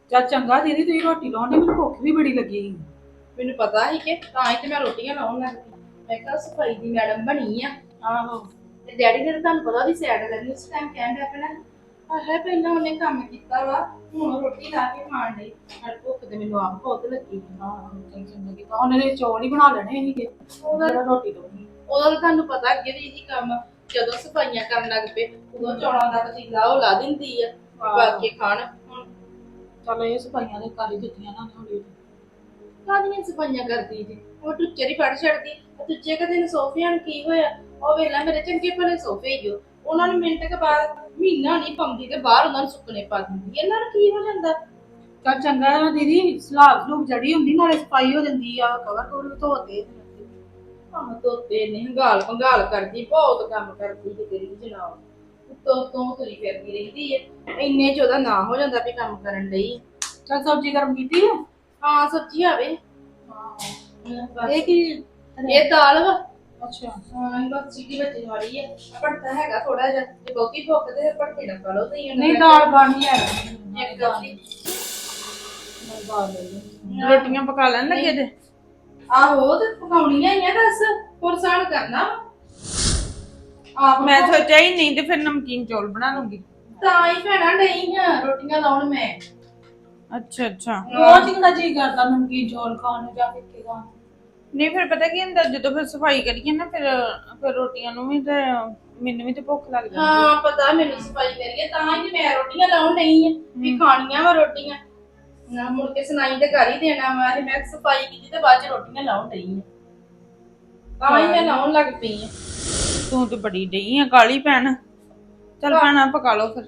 ਚੱਲ ਚੰਗਾ ਦੀਦੀ ਤੁਸੀਂ ਰੋਟੀ ਲਾਉਣੀ, ਮੈਨੂੰ ਭੁੱਖ ਵੀ ਬੜੀ ਲੱਗੀ। ਮੈਨੂੰ ਪਤਾ ਸੀ ਕਿ ਤਾਂ ਹੀ ਤੇ ਮੈਂ ਰੋਟੀਆਂ ਲਾਉਣ ਲੱਗ ਪਈ। ਮੈਂ ਕਿਹਾ ਸਫਾਈ ਦੀ ਮੈਡਮ ਬਣੀ ਆ। ਆਹੋ। ਤੇ ਡੈਡੀ ਨੇ ਤਾਂ ਤੁਹਾਨੂੰ ਪਤਾ ਵੀ ਸਾਈਡ ਕਰਨੀ ਉਸ ਟਾਈਮ ਕਹਿਣ ਡਿਆ ਪਹਿਲਾਂ ਆਹ ਪਹਿਲਾਂ ਉਹਨੇ ਕੰਮ ਕੀਤਾ ਵਾ, ਹੁਣ ਰੋਟੀ ਲਾ ਕੇ ਖਾਣ ਲਈ। ਪਰ ਭੁੱਖ ਤੇ ਮੈਨੂੰ ਆਪ ਬਹੁਤ ਲੱਗੀ। ਚੰਗਾ ਕੀਤਾ, ਉਹਨੇ ਨੇ ਚੌਲ ਹੀ ਬਣਾ ਲੈਣੇ ਸੀਗੇ। ਉਹਦਾ ਜਿਹੜਾ ਰੋਟੀ ਲਾਉਣੀ। ਉਹਦਾ ਤਾਂ ਤੁਹਾਨੂੰ ਪਤਾ ਅੱਗੇ ਵੀ ਇਹੀ ਕੰਮ, ਜਦੋਂ ਸਫਾਈਆਂ ਕਰਨ ਲੱਗ ਪਏ ਉਦੋਂ ਚੌਲਾਂ ਦਾ ਪਤੀਲਾ ਉਹ ਲਾ ਦਿੰਦੀ ਆ ਪਾ ਕੇ ਖਾਣ। ਹੁਣ ਚੱਲ ਇਹ ਸਫਾਈਆਂ ਦੇ ਕਰ ਹੀ ਦਿੱਤੀਆਂ ਨਾ ਹੌਲੀ। ਕਾਹਦੀਆਂ ਸਫਾਈਆਂ ਕਰਦੀ ਜੀ, ਉਹ ਟੁੱਚਰ ਹੀ ਫੜ ਛੱਡਦੀ। ਦੂਜੇ ਕਦੇ ਨੇ ਸੋਫਿਆਂ ਨੂੰ ਕੀ ਹੋਇਆ, ਉਹ ਵੇਲਾ ਮੇਰੇ ਚੰਗੇ ਭਲੇ ਸੋਫੇ ਹੀ ਉਹਨਾਂ ਨੂੰ ਮਿੰਟ ਕੇ ਬਾਅਦ ਮਹੀਨਾ ਨਹੀਂ ਪਾਉਂਦੀ ਤੇ ਬਾਹਰ ਉਹਨਾਂ ਨੂੰ ਸੁੱਕਣੇ ਪਾ ਦਿੰਦੀ। ਇਹਨਾਂ ਨੂੰ ਕੀ ਹੋ ਜਾਂਦਾ। ਚੱਲ ਚੰਗਾ ਆ ਦੀਦੀ, ਸਲਾਬ ਸਲੂਬ ਜੜੀ ਹੁੰਦੀ ਨਾਲੇ ਸਫਾਈ ਹੋ ਜਾਂਦੀ ਆ, ਕਵਰ ਕੋਲ ਵੀ ਧੋਤੇ। ਆਹ ਧੋਤੇ ਨੇ ਹੰਗਾਲ ਭੰਗਾਲ ਕਰਦੀ, ਬਹੁਤ ਕੰਮ ਕਰਦੀ ਤੇ ਤੇਰੀ ਜਨਾਬ ਉੱਤੋਂ ਤੋਂ ਤੁਰੀ ਫਿਰਦੀ ਰਹਿੰਦੀ ਹੈ। ਇੰਨੇ ਚ ਉਹਦਾ ਨਾ ਹੋ ਜਾਂਦਾ ਵੀ ਕੰਮ ਕਰਨ ਲਈ। ਚੱਲ ਸਬਜ਼ੀ ਗਰਮ ਕੀਤੀ ਆ। ਹਾਂ ਸਬਜ਼ੀ ਆਵੇ। ਇਹ ਕੀ? ਇਹ ਦਾਲ ਵਾ। ਅੱਛਾ। ਹਾਂ ਬਸ ਸੀਟੀ ਵੱਜਣ ਵਾਲੀ ਹੈ। ਪੜਤਾ ਹੈਗਾ ਥੋੜਾ ਜਿਹਾ, ਜੇ ਬਹੁਤੀ ਭੁੱਖ ਤੇ ਪੜਤੇ ਨਾ ਖਾ ਲਓ ਤੁਸੀਂ। ਨਹੀਂ ਦਾਲ ਬਣੀ ਹੈ ਇੱਕ ਅੱਧੀ ਦਾਲ ਲੈ ਲਈ। ਰੋਟੀਆਂ ਪਕਾ ਲੈਣ ਲੱਗੇ ਤੇ ਆਹੋ ਤੇ ਪਕਾਉਣੀਆਂ ਹੀ ਆ, ਦੱਸ ਹੋਰ ਸਾਨ ਕਰਨਾ ਆਪ। ਮੈਂ ਸੋਚਿਆ ਹੀ ਨਹੀਂ ਤੇ ਫਿਰ ਨਮਕੀਨ ਚੌਲ ਬਣਾ ਲੂੰਗੀ। ਤਾਂ ਹੀ ਭੈਣਾ ਨਹੀਂ ਆ ਰੋਟੀਆਂ ਲਾਉਣ ਮੈਂ। ਅੱਛਾ ਅੱਛਾ। ਰੋਜ਼ ਕਿਹੜਾ ਜੀ ਕਰਦਾ ਨਮਕੀਨ ਚੌਲ ਖਾਣ ਨੂੰ ਜਾਂ ਫਿੱਕੇ ਖਾਣ ਨੂੰ। ਨਹੀਂ ਫਿਰ ਪਤਾ ਕੀ ਹੁੰਦਾ, ਜਦੋਂ ਫਿਰ ਸਫਾਈ ਕਰੀਏ ਨਾ ਫਿਰ ਰੋਟੀਆਂ ਨੂੰ ਵੀ ਤੇ ਮੈਨੂੰ ਵੀ ਤੇ ਭੁੱਖ ਲੱਗ ਜਾਂਦੀ। ਹਾਂ ਪਤਾ ਮੈਨੂੰ ਸਫਾਈ ਕਰੀਏ ਤਾਂ ਹੀ ਮੈਂ ਰੋਟੀਆਂ ਲਾਉਣ ਨਹੀਂ ਆ ਵੀ ਖਾਣੀਆਂ ਵਾ ਰੋਟੀਆਂ ਨਾ। ਮੁੜ ਕੇ ਸੁਣਾਈ ਤੇ ਕਰ ਹੀ ਦੇਣਾ ਵਾ ਤੇ ਮੈਂ ਸਫਾਈ ਕੀਤੀ ਤੇ ਬਾਅਦ ਚ ਰੋਟੀਆਂ ਲਾਉਣ ਨਹੀਂ ਆ, ਤਾਂ ਹੀ ਮੈਂ ਲਾਉਣ ਲੱਗ ਪਈ ਆ। ਤੂੰ ਤੇ ਬੜੀ ਡਈ ਆ ਕਾਲੀ ਭੈਣ। ਚੱਲ ਭੈਣਾ ਪਕਾ ਲਓ ਫਿਰ।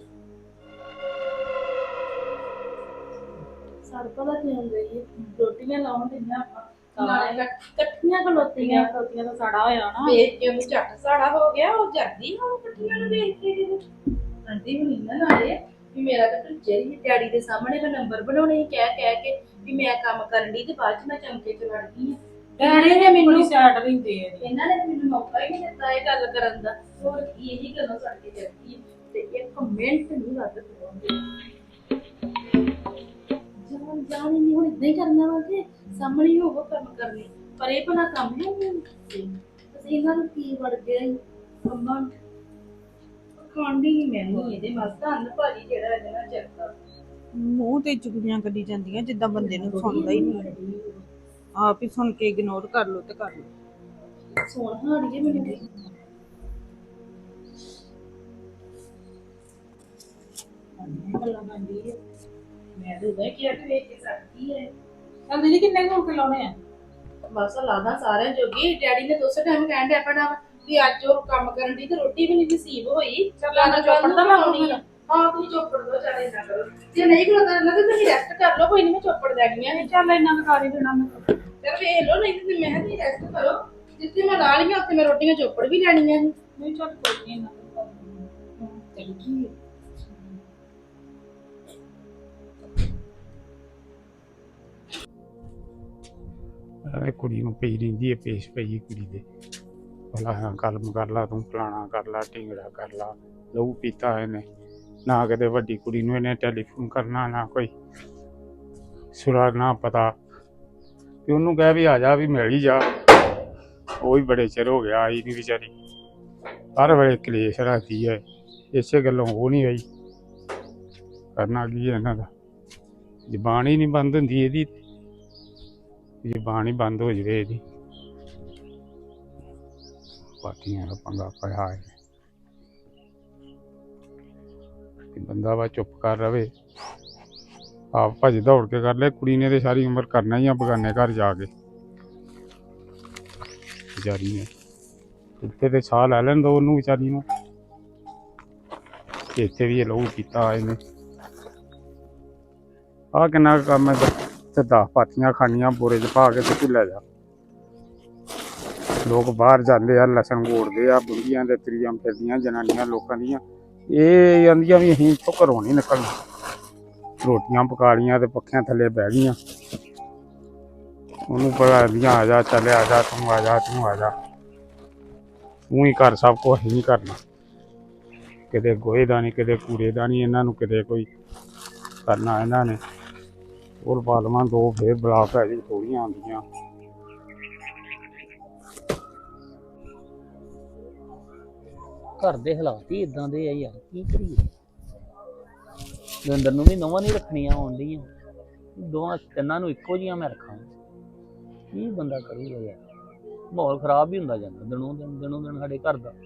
ਸਰ ਪਤਾ ਕੀ ਹੁੰਦਾ ਜੀ, ਰੋਟੀਆਂ ਲਾਉਣ ਤੇ ਨਾ ਨਾਲੇ ਇਕੱਠੀਆਂ ਖਲੋਤੀਆਂ ਰੋਟੀਆਂ ਦਾ ਸੜਾ ਹੋਇਆ ਨਾ। ਵੇਖ ਕੇ ਉਹਨੂੰ ਝੱਟ ਸਾੜਾ ਹੋ ਗਿਆ। ਉਹ ਜਰਦੀ ਨਾ ਉਹ ਇਕੱਠੀਆਂ ਨੂੰ ਵੇਖ ਕੇ ਆਂਟੀ ਹੁਣੀ ਨਾ ਨਾਲੇ ਵੀ ਮੇਰਾ ਤਾਂ ਟੁੱਚੇ ਹੀ ਡੈਡੀ ਦੇ ਸਾਹਮਣੇ ਮੈਂ ਨੰਬਰ ਬਣਾਉਣੇ ਹੀ ਕਹਿ ਕੇ ਵੀ ਮੈਂ ਕੰਮ ਕਰਨ ਦੀ ਤੇ ਬਾਅਦ ਚ ਮੈਂ ਚਮਕੇ ਚ ਵੜ ਗਈ ਆ। ਡੈਡੀ ਨੇ ਮੈਨੂੰ ਸਾਈਡ ਰਹਿੰਦੇ ਆ। ਇਹਨਾਂ ਨੇ ਮੈਨੂੰ ਮੌਕਾ ਹੀ ਨਹੀਂ ਦਿੱਤਾ ਇਹ ਗੱਲ ਕਰਨ ਦਾ। ਹੋਰ ਕੀ ਇਹੀ ਗੱਲਾਂ ਸੜ ਕੇ ਜਾਂਦੀ ਤੇ ਇੱਕ ਮਿੰਟ ਨਹੀਂ ਵੱਧ ਪਾਉਂਦੇ। ਜਾਣ ਨਹੀਂ ਹੁਣ ਇਦਾਂ ਹੀ ਕਰਨਾ ਵਾ ਕਿ ਸਾਹਮਣੇ ਹੀ ਹੋਵੋ ਕੰਮ ਕਰਨੇ, ਪਰ ਇਹ ਭਲਾ ਕੰਮ ਹੈ ਅਸੀਂ ਇਹਨਾਂ ਨੂੰ ਕੀ ਵੜ ਗਿਆ ਕੰਮਾਂ ਖਾਂਦੀ ਨਹੀਂ ਮੈਂ ਨਹੀਂ ਇਹਦੇ ਮਸਤ ਅੰਨ ਭਾਜੀ ਜਿਹੜਾ ਇਹਦੇ ਨਾਲ ਚੱਲਦਾ। ਮੂੰਹ ਤੇ ਚੁਗਲੀਆਂ ਕੱਢੀ ਜਾਂਦੀਆਂ ਜਿੱਦਾਂ ਬੰਦੇ ਨੂੰ ਸੁਣਦਾ ਹੀ ਨਹੀਂ। ਆਪ ਹੀ ਸੁਣ ਕੇ ਇਗਨੋਰ ਕਰ ਲਓ ਤੇ ਕਰ ਲਓ। ਸੋਹਣਾ ਹਾੜੀਏ ਮੈਨੂੰ ਵੀ ਗੱਲਾਂ ਕਰਦੀ ਹੈ। ਮੈਂ ਤਾਂ ਉਹਦਾ ਕੀ ਵੇਖ ਕੇ ਸਕਦੀ ਹੈ। ਚੱਲ ਦੀਦੀ ਕਿੰਨੇ ਕੁ ਲਾਉਣੇ ਆ? ਬਸ ਲਾਦਾ ਸਾਰਿਆਂ ਜੋਗੀ। ਡੈਡੀ ਨੇ ਦੋਸਤ ਟਾਈਮ ਕਹਿਣ ਡਿਆ ਪੈਣਾ ਵੀ ਅੱਜ ਉਹ ਕੰਮ ਕਰਨ ਦੀ ਤੇ ਰੋਟੀ ਵੀ ਨਹੀਂ ਨਸੀਬ ਹੋਈ। ਚੱਲ ਚੋਪੜ ਤਾਂ ਲਾਉਣੀ ਆ। ਹਾਂ ਤੁਸੀਂ ਚੋਪੜ ਦੋ, ਚੱਲ ਏਦਾਂ ਕਰੋ ਜੇ ਨਹੀਂ ਕਰਦਾ ਨਾ ਤੇ ਤੁਸੀਂ ਰੈਸਟ ਕਰ ਲਓ, ਕੋਈ ਨਹੀਂ ਮੈਂ ਚੋਪੜ ਦੇਣੀਆਂ ਨੇ। ਚੱਲ ਇੰਨਾ ਕੁ ਕਰ ਹੀ ਦੇਣਾ ਮੈਂ। ਚੱਲ ਵੇਖ ਲਓ, ਨਹੀਂ ਤੇ ਮੈਂ ਤੁਸੀਂ ਰੈਸਟ ਕਰੋ। ਜਿੱਥੇ ਮੈਂ ਲਾ ਲਈਆਂ ਉੱਥੇ ਮੈਂ ਰੋਟੀਆਂ ਚੋਪੜ ਵੀ ਲੈਣੀਆਂ ਸੀ। ਨਹੀਂ ਚੱਲ ਕੋਈ ਨਹੀਂ ਇੰਨਾ ਕੁ ਕਰ ਦੇਣਾ। ਚੱਲ ਕੀ ਕੁੜੀ ਨੂੰ ਪਈ ਰਹਿੰਦੀ ਹੈ, ਪੇਸ਼ ਪਈ ਕੁੜੀ ਦੇ ਭਲਾ ਗੱਲ ਕਰ ਲਾ, ਤੂੰ ਫਲਾਣਾ ਕਰ ਲਾ, ਢਿੰਗੜਾ ਕਰ ਲਾ। ਲਹੂ ਪੀਤਾ ਇਹਨੇ, ਨਾ ਕਦੇ ਵੱਡੀ ਕੁੜੀ ਨੂੰ ਇਹਨੇ ਟੈਲੀਫੋਨ ਕਰਨਾ, ਨਾ ਕੋਈ ਸੁਰਾ ਨਾ ਪਤਾ। ਤੇ ਉਹਨੂੰ ਕਹਿ ਵੀ ਆ ਜਾ, ਵੀ ਮਿਲ ਹੀ ਜਾ। ਉਹ ਵੀ ਬੜੇ ਚਿਰ ਹੋ ਗਿਆ ਆਈ ਨਹੀਂ ਵਿਚਾਰੀ। ਹਰ ਵੇਲੇ ਕਲੇਸ਼ ਰੱਖਦੀ ਹੈ, ਇਸੇ ਗੱਲੋਂ ਉਹ ਨਹੀਂ ਆਈ। ਕਰਨਾ ਕੀ ਹੈ ਇਹਨਾਂ ਦਾ, ਜ਼ਬਾਨ ਹੀ ਨਹੀਂ ਬੰਦ ਹੁੰਦੀ ਇਹਦੀ। ਜ਼ਬਾਨ ਹੀ ਬੰਦ ਹੋ ਜਾਵੇ ਇਹਦੀ। ਪਾਰਟੀਆਂ ਦਾ ਪੰਗਾ ਪਿਆ ਹੈ ਕਿ ਬੰਦਾ ਵਾ ਚੁੱਪ ਕਰ ਰਵੇ, ਆਪ ਭੱਜ ਦੌੜ ਕੇ ਕਰ ਲੈ। ਕੁੜੀ ਨੇ ਤੇ ਸਾਰੀ ਉਮਰ ਕਰਨਾ ਹੀ ਆ ਬਗਾਨੇ ਘਰ ਜਾ ਕੇ। ਵਿਚਾਰੀ ਨੇ ਇੱਥੇ ਤੇ ਸਾਹ ਲੈ ਲੈਣ ਦੋ ਉਹਨੂੰ ਵਿਚਾਰੀ ਨੂੰ, ਇੱਥੇ ਵੀ ਇਹ ਲਹੂ ਪੀਤਾ ਇਹਨੇ। ਆਹ ਕਿੰਨਾ ਕੰਮ ਹੈ ਤੇ 10 ਪਾਥੀਆਂ ਖਾਣੀਆਂ ਬੋਰੇ 'ਚ ਪਾ ਕੇ ਤੇ ਤੂੰ ਲੈ ਜਾ। ਲੋਕ ਬਾਹਰ ਜਾਂਦੇ ਆ, ਲਸਣ ਗੋੜਦੇ ਆ, ਬੁੰਦੀਆਂ ਦੇ ਤਰੀਆਂ ਫਿਰਦੀਆਂ ਜਨਾਨੀਆਂ ਲੋਕਾਂ ਦੀਆਂ। ਇਹ ਜਾਂਦੀਆਂ ਵੀ ਅਸੀਂ ਇੱਥੋਂ ਘਰੋਂ ਨਹੀਂ ਨਿਕਲਣਾ। ਰੋਟੀਆਂ ਪਕਾ ਲਈਆਂ ਤੇ ਪੱਖਿਆਂ ਥੱਲੇ ਬਹਿ ਗਈਆਂ। ਉਹਨੂੰ ਪਤਾ ਦੀਆਂ ਆ ਜਾ, ਚੱਲ ਆ ਜਾ, ਤੂੰ ਆ ਜਾ, ਤੂੰ ਆ ਜਾ। ਤੂੰ ਹੀ ਕਰ ਸਭ ਕੁਛ ਨਹੀਂ ਕਰਨਾ। ਕਿਤੇ ਗੋਹੇ ਦਾ ਨਹੀਂ, ਕਿਤੇ ਕੂੜੇ ਦਾ ਨਹੀਂ, ਇਹਨਾਂ ਨੂੰ ਕਿਤੇ ਕੋਈ ਕਰਨਾ ਇਹਨਾਂ ਨੇ। ਹੋਰ ਪਾ ਲਵਾਂ ਦੋ, ਫੇਰ ਬਲਾ ਪੈ ਜੂ, ਥੋੜੀਆਂ ਆਉਂਦੀਆਂ। ਘਰ ਦੇ ਹਾਲਾਤ ਹੀ ਇਦਾਂ ਦੇ ਆ ਯਾਰ, ਕੀ ਕਰੀਏ। ਦਵਿੰਦਰ ਨੂੰ ਵੀ ਨਵਾਂ ਨਹੀਂ ਰੱਖਣੀਆਂ ਆਉਂਦੀਆਂ, ਦੋਵਾਂ ਤਿੰਨਾਂ ਨੂੰ ਇੱਕੋ ਜਿਹੀਆਂ ਮੈਂ ਰੱਖਾਂ, ਕੀ ਬੰਦਾ ਕਰੂਗਾ ਯਾਰ। ਮਾਹੌਲ ਖਰਾਬ ਹੀ ਹੁੰਦਾ ਜਾਂਦਾ ਦਿਨੋਂ ਦਿਨ ਸਾਡੇ ਘਰ ਦਾ।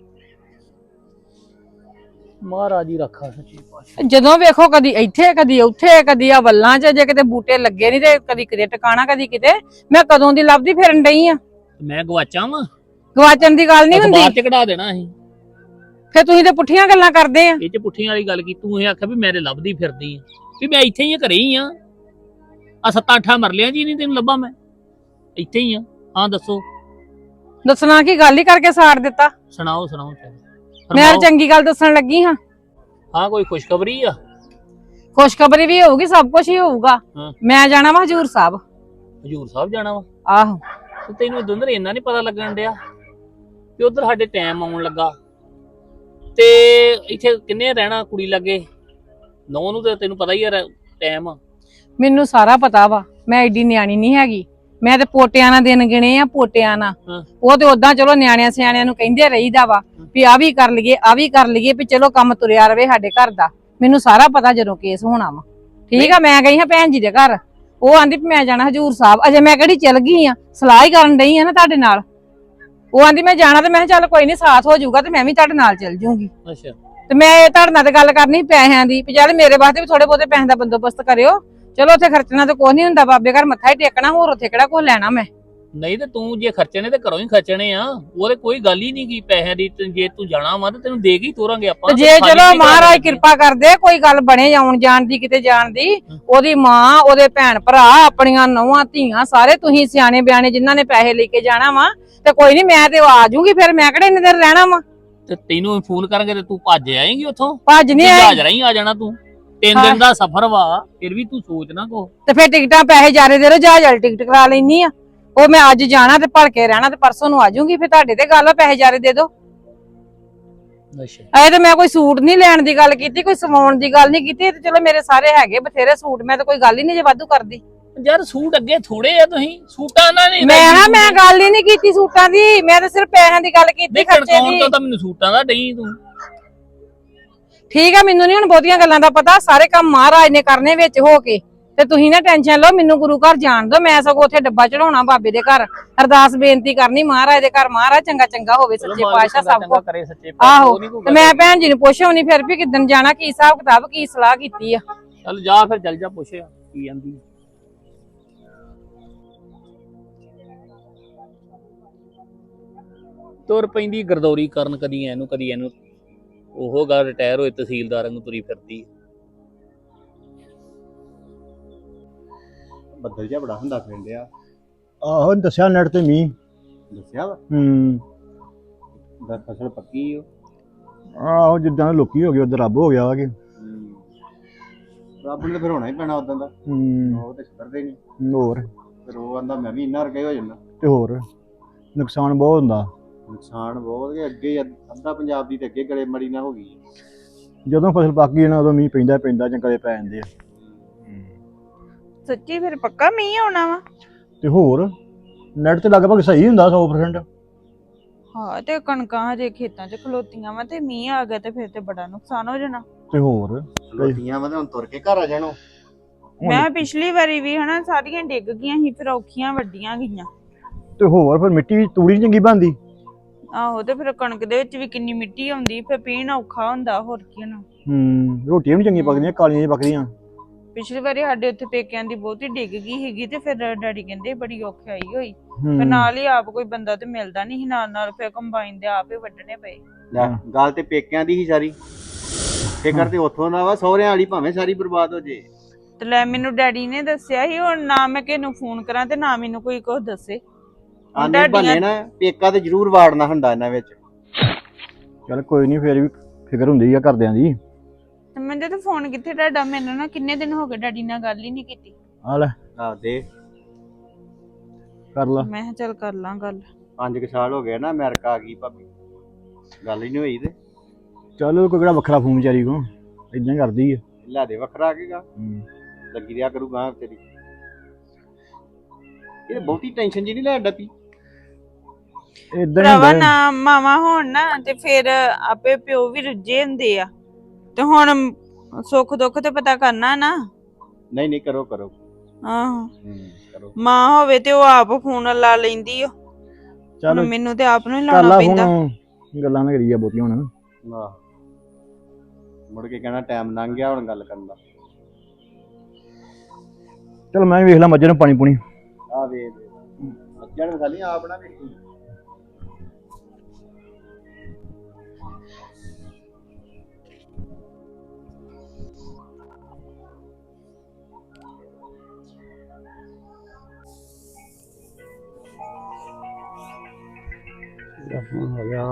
ਮਹਾਰਾਜ ਹੀ ਰੱਖਾ ਸੱਚੀ ਪਾਤਸ਼ਾਹ। ਜਦੋਂ ਵੇਖੋ ਕਦੀ ਇੱਥੇ ਕਦੀ ਉੱਥੇ ਕਦੀ ਆ ਵੱਲਾਂ 'ਚ, ਜੇ ਕਿਤੇ ਬੂਟੇ ਲੱਗੇ ਨਹੀਂ ਤੇ ਕਦੀ ਕਿਤੇ ਟਿਕਾਣਾ ਕਦੀ ਕਿਤੇ। ਮੈਂ ਕਦੋਂ ਦੀ ਲੱਭਦੀ ਫਿਰਨ ਡਈ ਆ। ਮੈਂ ਗਵਾਚਾ ਵਾਂ, ਗਵਾਚਣ ਦੀ ਗੱਲ ਨਹੀਂ ਹੁੰਦੀ, ਬਾਅਦ ਚ ਕਢਾ ਦੇਣਾ ਅਸੀਂ। ਫਿਰ ਤੁਸੀਂ ਤੇ ਪੁੱਠੀਆਂ ਗੱਲਾਂ ਕਰਦੇ ਆ। ਇਹ ਚ ਪੁੱਠੀਆਂ ਵਾਲੀ ਗੱਲ ਕੀ, ਤੂੰ ਇਹ ਆਖਿਆ ਵੀ ਮੇਰੇ ਲੱਭਦੀ ਫਿਰਦੀ ਆ, ਵੀ ਮੈਂ ਇੱਥੇ ਹੀ ਆ, ਘਰੇ ਹੀ ਆ। ਆ 7-8 ਮਰਲਿਆਂ ਜੀ ਨਹੀਂ ਤੈਨੂੰ ਲੱਭਾ, ਮੈਂ ਇੱਥੇ ਹੀ ਆ। ਹਾਂ ਦੱਸੋ, ਦੱਸਣਾ ਕੀ, ਗੱਲ ਹੀ ਕਰਕੇ ਸਾੜ ਦਿੱਤਾ। ਸੁਣਾਓ ਮੈਂ ਤਾਂ ਚੰਗੀ ਗੱਲ ਦੱਸਣ ਲੱਗੀ ਹਾਂ। ਹਾਂ ਕੋਈ ਖੁਸ਼ਖਬਰੀ ਆ? ਖੁਸ਼ਖਬਰੀ ਵੀ ਹੋਊਗੀ, ਸਭ ਕੁਝ ਹੀ ਹੋਊਗਾ। ਹਾਂ। ਮੈਂ ਜਾਣਾ ਵਾ ਹਜੂਰ ਸਾਹਿਬ। ਹਜੂਰ ਸਾਹਿਬ ਜਾਣਾ ਵਾ? ਆਹੋ। ਤੇ ਤੈਨੂੰ ਦੁੰਦਰ ਇੰਨਾ ਨਹੀਂ ਪਤਾ ਲੱਗਣ ਡਿਆ ਕਿ ਉਧਰ ਸਾਡੇ ਟਾਈਮ ਆਉਣ ਲੱਗਾ ਤੇ ਇੱਥੇ ਕਿੰਨੇ ਰਹਿਣਾ ਕੁੜੀ ਲੱਗੇ? ਨੌ ਨੂੰ ਤੇ ਤੈਨੂੰ ਪਤਾ ਹੀ ਆ ਟਾਈਮ। ਮੈਨੂੰ ਸਾਰਾ ਪਤਾ ਵਾ, ਮੈਂ ਐਡੀ ਨਿਆਣੀ ਨਹੀਂ ਹੈਗੀ। ਮੈਂ ਤੇ ਪੋਟਿਆਂ ਨਾਲ ਦਿਨ ਗਿਣੇ ਆ, ਪੋਟਿਆਂ ਨਾਲ। ਉਹ ਤੇ ਉਦਾਂ ਚਲੋ ਨਿਆਣਿਆਂ ਸਿਆਣਿਆਂ ਨੂੰ ਕਹਿੰਦੇ ਰਹੀਦਾ ਵਾ ਵੀ ਆ ਵੀ ਕਰ ਲਈਏ, ਆ ਵੀ ਕਰ ਲਈਏ, ਵੀ ਚਲੋ ਕੰਮ ਤੁਰਿਆ ਰਵੇ ਸਾਡੇ ਘਰ ਦਾ। ਮੈਨੂੰ ਸਾਰਾ ਪਤਾ ਜਦੋਂ ਕੇਸ ਹੋਣਾ ਵਾ। ਠੀਕ ਆ, ਮੈਂ ਗਈ ਹਾਂ ਭੈਣ ਜੀ ਦੇ ਘਰ, ਉਹ ਆਂਦੀ ਵੀ ਮੈਂ ਜਾਣਾ ਹਜੂਰ ਸਾਹਿਬ। ਅਜੇ ਮੈਂ ਕਿਹੜੀ ਚਲ ਗਈ ਆ, ਸਲਾਹ ਹੀ ਕਰਨ ਡਈ ਆ ਨਾ ਤੁਹਾਡੇ ਨਾਲ। ਉਹ ਆਂਦੀ ਮੈਂ ਜਾਣਾ, ਤੇ ਮੈਂ ਕਿਹਾ ਚੱਲ ਕੋਈ ਨਹੀਂ, ਸਾਥ ਹੋ ਜਾਊਗਾ ਤੇ ਮੈਂ ਵੀ ਤੁਹਾਡੇ ਨਾਲ ਚੱਲ ਜੂੰਗੀ। ਅੱਛਾ। ਤੇ ਮੈਂ ਤੁਹਾਡੇ ਨਾਲ ਤੇ ਗੱਲ ਕਰਨੀ ਪੈਸਿਆਂ ਦੀ, ਵੀ ਚੱਲ ਮੇਰੇ ਵਾਸਤੇ ਵੀ ਥੋੜੇ ਬਹੁਤੇ ਪੈਸੇ ਦਾ ਬੰਦੋਬਸਤ ਕਰਿਓ। ਚਲੋ ਉੱਥੇ ਖਰਚਣਾ ਤਾਂ ਕੁਛ ਨਹੀਂ ਹੁੰਦਾ, ਬਾਬੇ ਘਰ ਮੱਥਾ ਹੀ ਟੇਕਣਾ, ਹੋਰ ਉੱਥੇ ਕਿਹੜਾ ਕੁਛ ਲੈਣਾ ਮੈਂ। ਨਹੀਂ ਤੇ ਤੂੰ ਜੇ ਖਰਚਣੇ ਤੇ ਘਰੋਂ ਹੀ ਖਰਚਣੇ ਆ, ਉਹਦੇ ਕੋਈ ਗੱਲ ਹੀ ਨਹੀਂ ਕੀ ਪੈਸਿਆਂ ਦੀ। ਜੇ ਤੂੰ ਜਾਣਾ ਵਾ ਤੇ ਤੈਨੂੰ ਦੇ ਕੇ ਹੀ ਤੋਰਾਂਗੇ ਆਪਾਂ। ਜੇ ਚਲੋ ਮਹਾਰਾਜ ਕਿਰਪਾ ਕਰਦੇ, ਕੋਈ ਗੱਲ ਬਣੇ ਆਉਣ ਜਾਣ ਦੀ, ਕਿਤੇ ਜਾਣ ਦੀ, ਉਹਦੀ ਮਾਂ, ਉਹਦੇ ਭੈਣ ਭਰਾ, ਆਪਣੀਆਂ ਨੌਵਾਂ ਧੀਆਂ, ਸਾਰੇ ਤੁਸੀਂ ਸਿਆਣੇ ਬਿਆਣੇ ਜਿਨ੍ਹਾਂ ਨੇ ਪੈਸੇ ਲੈ ਕੇ ਜਾਣਾ ਵਾ, ਤੇ ਕੋਈ ਨਹੀਂ, ਮੈਂ ਤੇ ਆ ਜਾਊਂਗੀ। ਫਿਰ ਮੈਂ ਕਿਹੜੇ ਇੰਨੇ ਦਿਨ ਰਹਿਣਾ ਵਾ? ਤੇ ਤੈਨੂੰ ਫੋਨ ਕਰਾਂਗੇ ਤੇ ਤੂੰ ਭੱਜ ਆਏਂਗੀ ਉੱਥੋਂ? ਭੱਜ ਨਹੀਂ ਆਏ, ਜਹਾਜ਼ ਰਾਹੀਂ ਆ ਜਾਣਾ ਤੂੰ। 3 ਦਿਨ ਦਾ ਸਫ਼ਰ ਵਾ, ਫਿਰ ਵੀ ਤੂੰ ਸੋਚ ਨਾ ਕੋ। ਤੇ ਫਿਰ ਟਿਕਟਾਂ ਪੈਸੇ ਜਾਰੇ ਦੇ ਦੋ, ਜਹਾਜ਼ ਵਾਲੀ ਟਿਕਟ ਕਰਾ ਲੈਣੀ ਆ। ਉਹ ਮੈਂ ਅੱਜ ਜਾਣਾ ਤੇ ਭੜ ਕੇ ਰਹਿਣਾ, ਤੇ ਪਰਸੋਂ ਨੂੰ ਆ ਜਾਊਂਗੀ। ਫਿਰ ਤੁਹਾਡੇ ਤੇ ਗੱਲ ਆ, ਪੈਸੇ ਜਾਰੇ ਦੇ ਦੋ। ਅੱਛਾ। ਐ ਤੇ ਮੈਂ ਕੋਈ ਸੂਟ ਨਹੀਂ ਲੈਣ ਦੀ ਗੱਲ ਕੀਤੀ, ਕੋਈ ਸਵਾਉਣ ਦੀ ਗੱਲ ਨਹੀਂ ਕੀਤੀ। ਤੇ ਚਲੋ ਮੇਰੇ ਸਾਰੇ ਹੈਗੇ ਬਥੇਰੇ ਸੂਟ, ਮੈਂ ਤਾਂ ਕੋਈ ਗੱਲ ਹੀ ਨਹੀਂ ਜੇ ਵਾਧੂ ਕਰਦੀ। ਯਾਰ ਸੂਟ ਅੱਗੇ ਥੋੜੇ ਆ, ਤੁਸੀਂ ਸੂਟਾਂ ਨਾਲ ਨਹੀਂ। ਮੈਂ ਗੱਲ ਹੀ ਨਹੀਂ ਕੀਤੀ ਸੂਟਾਂ ਦੀ, ਮੈਂ ਤਾਂ ਸਿਰਫ ਪੈਸਿਆਂ ਦੀ ਗੱਲ ਕੀਤੀ, ਖਰਚੇ ਦੀ। ਤੋਂ ਤਾਂ ਮੈਨੂੰ ਸੂਟਾਂ ਦਾ ਡਈ ਤੂੰ। ਠੀਕ ਆ, ਮੈਨੂੰ ਨਹੀਂ ਹੁਣ ਬਹੁਤੀਆਂ ਗੱਲਾਂ ਦਾ ਪਤਾ, ਸਾਰੇ ਕੰਮ ਮਹਾਰਾਜ ਨੇ ਕਰਨੇ ਵਿੱਚ ਹੋ ਕੇ। ਤੇ ਤੁਸੀਂ ਨਾ ਟੈਨਸ਼ਨ ਲਓ, ਮੈਨੂੰ ਗੁਰੂ ਘਰ ਜਾਣ ਦਿਓ। ਮੈਂ ਸਗੋਂ ਉੱਥੇ ਡੱਬਾ ਚੜਾਉਣਾ ਬਾਬੇ ਦੇ ਘਰ, ਅਰਦਾਸ ਬੇਨਤੀ ਕਰਨੀ ਮਹਾਰਾਜ ਦੇ ਘਰ, ਮਹਾਰਾਜ ਚੰਗਾ ਚੰਗਾ ਹੋਵੇ, ਸੱਚੇ ਪਾਤਸ਼ਾਹ ਸਭ ਕੁਝ ਕਰੇ ਸੱਚੇ ਆਹੋ। ਪਾਤਸ਼ਾਹ। ਤੇ ਮੈਂ ਭੈਣ ਜੀ ਨੂੰ ਪੁੱਛਉਣੀ ਫਿਰ ਵੀ ਕਿੱਦਣ ਜਾਣਾ, ਕੀ ਹਿਸਾਬ ਕਿਤਾਬ, ਕੀ ਸਲਾਹ ਕੀਤੀ ਆ। ਚੱਲ ਜਾ ਫਿਰ, ਚੱਲ ਜਾ, ਪੁੱਛਿਆ ਕੀ ਜਾਂਦੀ। ਤੁਰ ਪੈਂਦੀ ਗਰਦੌਰੀ ਕਰਨ, ਕਦੀ ਇਹਨੂੰ ਉਹ ਗੱਲ, ਰਿਟਾਇਰ ਹੋਏ ਤਹਿਸੀਲਦਾਰਾਂ ਨੂੰ ਤੁਰੀ ਫਿਰਦੀ। ਬੱਦਲ ਜਿਹਾ ਬੜਾ ਹੁੰਦਾ ਪਿੰਡਿਆ। ਆਹੋ ਦੱਸਿਆ ਨੈਟ ਤੇ ਮੀਂਹ। ਦੱਸਿਆ ਵਾ ਦਾ ਫਸਲ ਪੱਕੀ ਓ। ਆਹੋ ਜਿੱਦਾਂ ਲੋਕੀ ਹੋ ਗਏ ਉਧਰ ਰੱਬ ਹੋ ਗਿਆ ਵਾ ਕਿ ਰੱਬ ਨੂੰ ਤਾਂ ਫਿਰ ਹੋਣਾ ਹੀ ਪੈਣਾ ਉਦਾਂ ਦਾ। ਉਹ ਤੇ ਸੁਧਰਦੇ ਨਹੀਂ। ਹੋਰ ਫਿਰ ਉਹ ਆਂਦਾ ਮੈਂ ਵੀ ਇੰਨਾ ਰਕੇ ਹੋ ਜਾਂਦਾ। ਤੇ ਹੋਰ ਨੁਕਸਾਨ ਬਹੁਤ ਹੁੰਦਾ। ਨੁਕਸਾਨ ਬਹੁਤ ਕਿ ਅੱਗੇ ਅੱਧਾ ਪੰਜਾਬ ਦੀ ਤੇ ਅੱਗੇ ਗਲੇ ਮੜੀ ਨਾ ਹੋ ਗਈ। ਜਦੋਂ ਫਸਲ ਪੱਕ ਗਈ ਨਾ ਉਦੋਂ ਮੀਂਹ ਪੈਂਦਾ ਚੰਗਲੇ ਪੈ ਜਾਂਦੇ ਆ। ਸੱਚੀ ਫਿਰ ਪੱਕਾ ਮੀਂਹ ਆਉਣਾ ਵਾ? ਤੇ ਹੋਰ ਨੈਟ ਤੇ ਲਗਭਗ ਸਹੀ ਹੁੰਦਾ 100%। ਹਾਂ, ਤੇ ਕਣਕਾਂ ਹਜੇ ਖੇਤਾਂ 'ਚ ਖਲੋਤੀਆਂ ਵਾ, ਤੇ ਮੀਂਹ ਆ ਗਿਆ ਤੇ ਫਿਰ ਤੇ ਬੜਾ ਨੁਕਸਾਨ ਹੋ ਜਾਣਾ। ਤੇ ਹੋਰ ਲੋਟੀਆਂ ਵਾ ਹੁਣ ਤੁਰ ਕੇ ਘਰ ਆ ਜਾਣੋ। ਮੈਂ ਪਿਛਲੀ ਵਾਰੀ ਵੀ ਹਨਾ ਸਾਰੀਆਂ ਡਿੱਗ ਗਈਆਂ ਸੀ, ਫਿਰ ਔਖੀਆਂ ਵੱਡੀਆਂ ਗਈਆਂ। ਤੇ ਹੋਰ ਫਿਰ ਮਿੱਟੀ ਵੀ ਤੂੜੀ ਨੀ ਚੰਗੀ ਬਣਦੀ। ਆਹੋ, ਤੇ ਫਿਰ ਕਣਕ ਦੇ ਵਿੱਚ ਵੀ ਕਿੰਨੀ ਮਿੱਟੀ ਆਉਂਦੀ, ਫਿਰ ਪੀਣ ਔਖਾ ਹੁੰਦਾ, ਹੋਰ ਕੀ ਹੋਣਾ। ਰੋਟੀਆਂ ਵੀ ਚੰਗੀਆਂ ਪੱਕਦੀਆਂ, ਕਾਲੀਆਂ ਜਿਹੀਆਂ ਪੱਕਦੀਆਂ। ਪਿਛਲੀ ਵਾਰੀ ਸਾਡੇ ਉੱਥੇ ਪੇਕਿਆਂ ਦੀ ਬਹੁਤੀ ਡਿੱਗ ਗਈ ਹੈਗੀ, ਤੇ ਫਿਰ ਡੈਡੀ ਕਹਿੰਦੇ ਬੜੀ ਔਖੀ ਆਈ ਹੋਈ। ਫਿਰ ਨਾਲ ਹੀ ਆਪ ਕੋਈ ਬੰਦਾ ਤੇ ਮਿਲਦਾ ਨਹੀਂ ਸੀ ਨਾਲ, ਫਿਰ ਕੰਬਾਈਨ ਦੇ ਆਪ ਹੀ ਵੱਢਣੇ ਪਏ। ਗੱਲ ਤੇ ਪੇਕਿਆਂ ਦੀ ਹੀ ਸਾਰੀ, ਫਿਕਰ ਤੇ ਉੱਥੋਂ ਦਾ ਵਾ, ਸਹੁਰਿਆਂ ਵਾਲੀ ਭਾਵੇਂ ਸਾਰੀ ਬਰਬਾਦ ਹੋ ਜੇ। ਤੇ ਲੈ ਮੈਨੂੰ ਡੈਡੀ ਨੇ ਦੱਸਿਆ ਸੀ, ਹੁਣ ਨਾ ਮੈਂ ਕਿਸੇ ਨੂੰ ਫੋਨ ਕਰਾਂ ਤੇ ਨਾ ਮੈਨੂੰ ਕੋਈ ਕੁਝ ਦੱਸੇ। ਆਨੇ ਬਹਾਨੇ ਨਾ ਪੇਕਾ ਤੇ ਜ਼ਰੂਰ ਵਾੜਨਾ ਹੁੰਦਾ ਇਹਨਾਂ ਵਿੱਚ। ਚੱਲ ਕੋਈ ਨਹੀਂ, ਫਿਰ ਵੀ ਫਿਕਰ ਹੁੰਦੀ ਆ ਘਰਦਿਆਂ ਦੀ। ਤੇ ਮੈਨੂੰ ਤਾਂ ਫੋਨ ਕਿੱਥੇ ਤੁਹਾਡਾ, ਮੈਨੂੰ ਨਾ ਕਿੰਨੇ ਦਿਨ ਹੋ ਗਏ ਡੈਡੀ ਨਾਲ ਗੱਲ ਹੀ ਨਹੀਂ ਕੀਤੀ। ਆ ਲੈ ਆ ਦੇ ਕਰ ਲਾ। ਮੈਂ ਕਿਹਾ ਚੱਲ ਕਰ ਲਾਂ ਗੱਲ। 5 ਸਾਲ ਹੋ ਗਏ ਨਾ ਅਮਰੀਕਾ ਆ ਗਈ ਭਾਬੀ, ਗੱਲ ਹੀ ਨਹੀਂ ਹੋਈ। ਤੇ ਚੱਲ ਕੋਈ ਕਿਹੜਾ ਵੱਖਰਾ ਫੋਨ ਵਿਚਾਰੀ ਕੋ, ਇਦਾਂ ਕਰਦੀ ਆ। ਲੈ ਦੇ ਵੱਖਰਾ ਆ ਗੇਗਾ, ਲੱਗੀ ਰਿਹਾ ਕਰੂਗਾ ਤੇਰੀ। ਇਹ ਬਹੁਤੀ ਟੈਨਸ਼ਨ ਜੀ ਨਹੀਂ ਲੈਣ ਡੱਪੀ। ਇਦਾਂ ਭਰਾਵਾ ਹੀ ਹੁੰਦਾ ਨਾ ਮਾਵਾ ਹੋਣ ਨਾ ਤੇ ਫਿਰ ਆਪੇ ਪਿਓ ਵੀ ਰੁੱਝੇ ਹੁੰਦੇ ਆ ਤੇ ਹੁਣ ਸੁੱਖ ਦੁੱਖ ਤੇ ਪਤਾ ਕਰਨਾ ਨਾ। ਨਹੀਂ ਨਹੀਂ, ਕਰੋ ਕਰੋ। ਆਹੋ ਕਰੋ। ਮਾਂ ਹੋਵੇ ਤੇ ਉਹ ਆਪ ਫੋਨ ਲਾ ਲੈਂਦੀ ਓ। ਚੱਲ ਹੁਣ ਮੈਨੂੰ ਤੇ ਆਪ ਨੂੰ ਹੀ ਕਰ ਲਾਉਣਾ ਲਾ ਪੈਂਦਾ। ਹੁਣ ਗੱਲਾਂ ਨਾ ਕਰੀਆ ਬਹੁਤੀਆਂ ਹੁਣ। ਵਾਹ, ਮੁੜ ਕੇ ਕਹਿਣਾ ਟਾਈਮ ਲੰਘ ਗਿਆ ਹੁਣ ਗੱਲ ਕਰਨ ਦਾ। ਚਲ ਮੈਂ ਵੀ ਵੇਖ ਲਾਂ ਮੱਝਾਂ ਨੂੰ ਪਾਣੀ ਪੂਣੀ। ਆ ਵੇਖ ਮੱਝਾਂ ਨੂੰ ਖਾਲੀ ਆਪ ਨਾ ਵੇਖੀ। ਹੋ ਗਿਆ।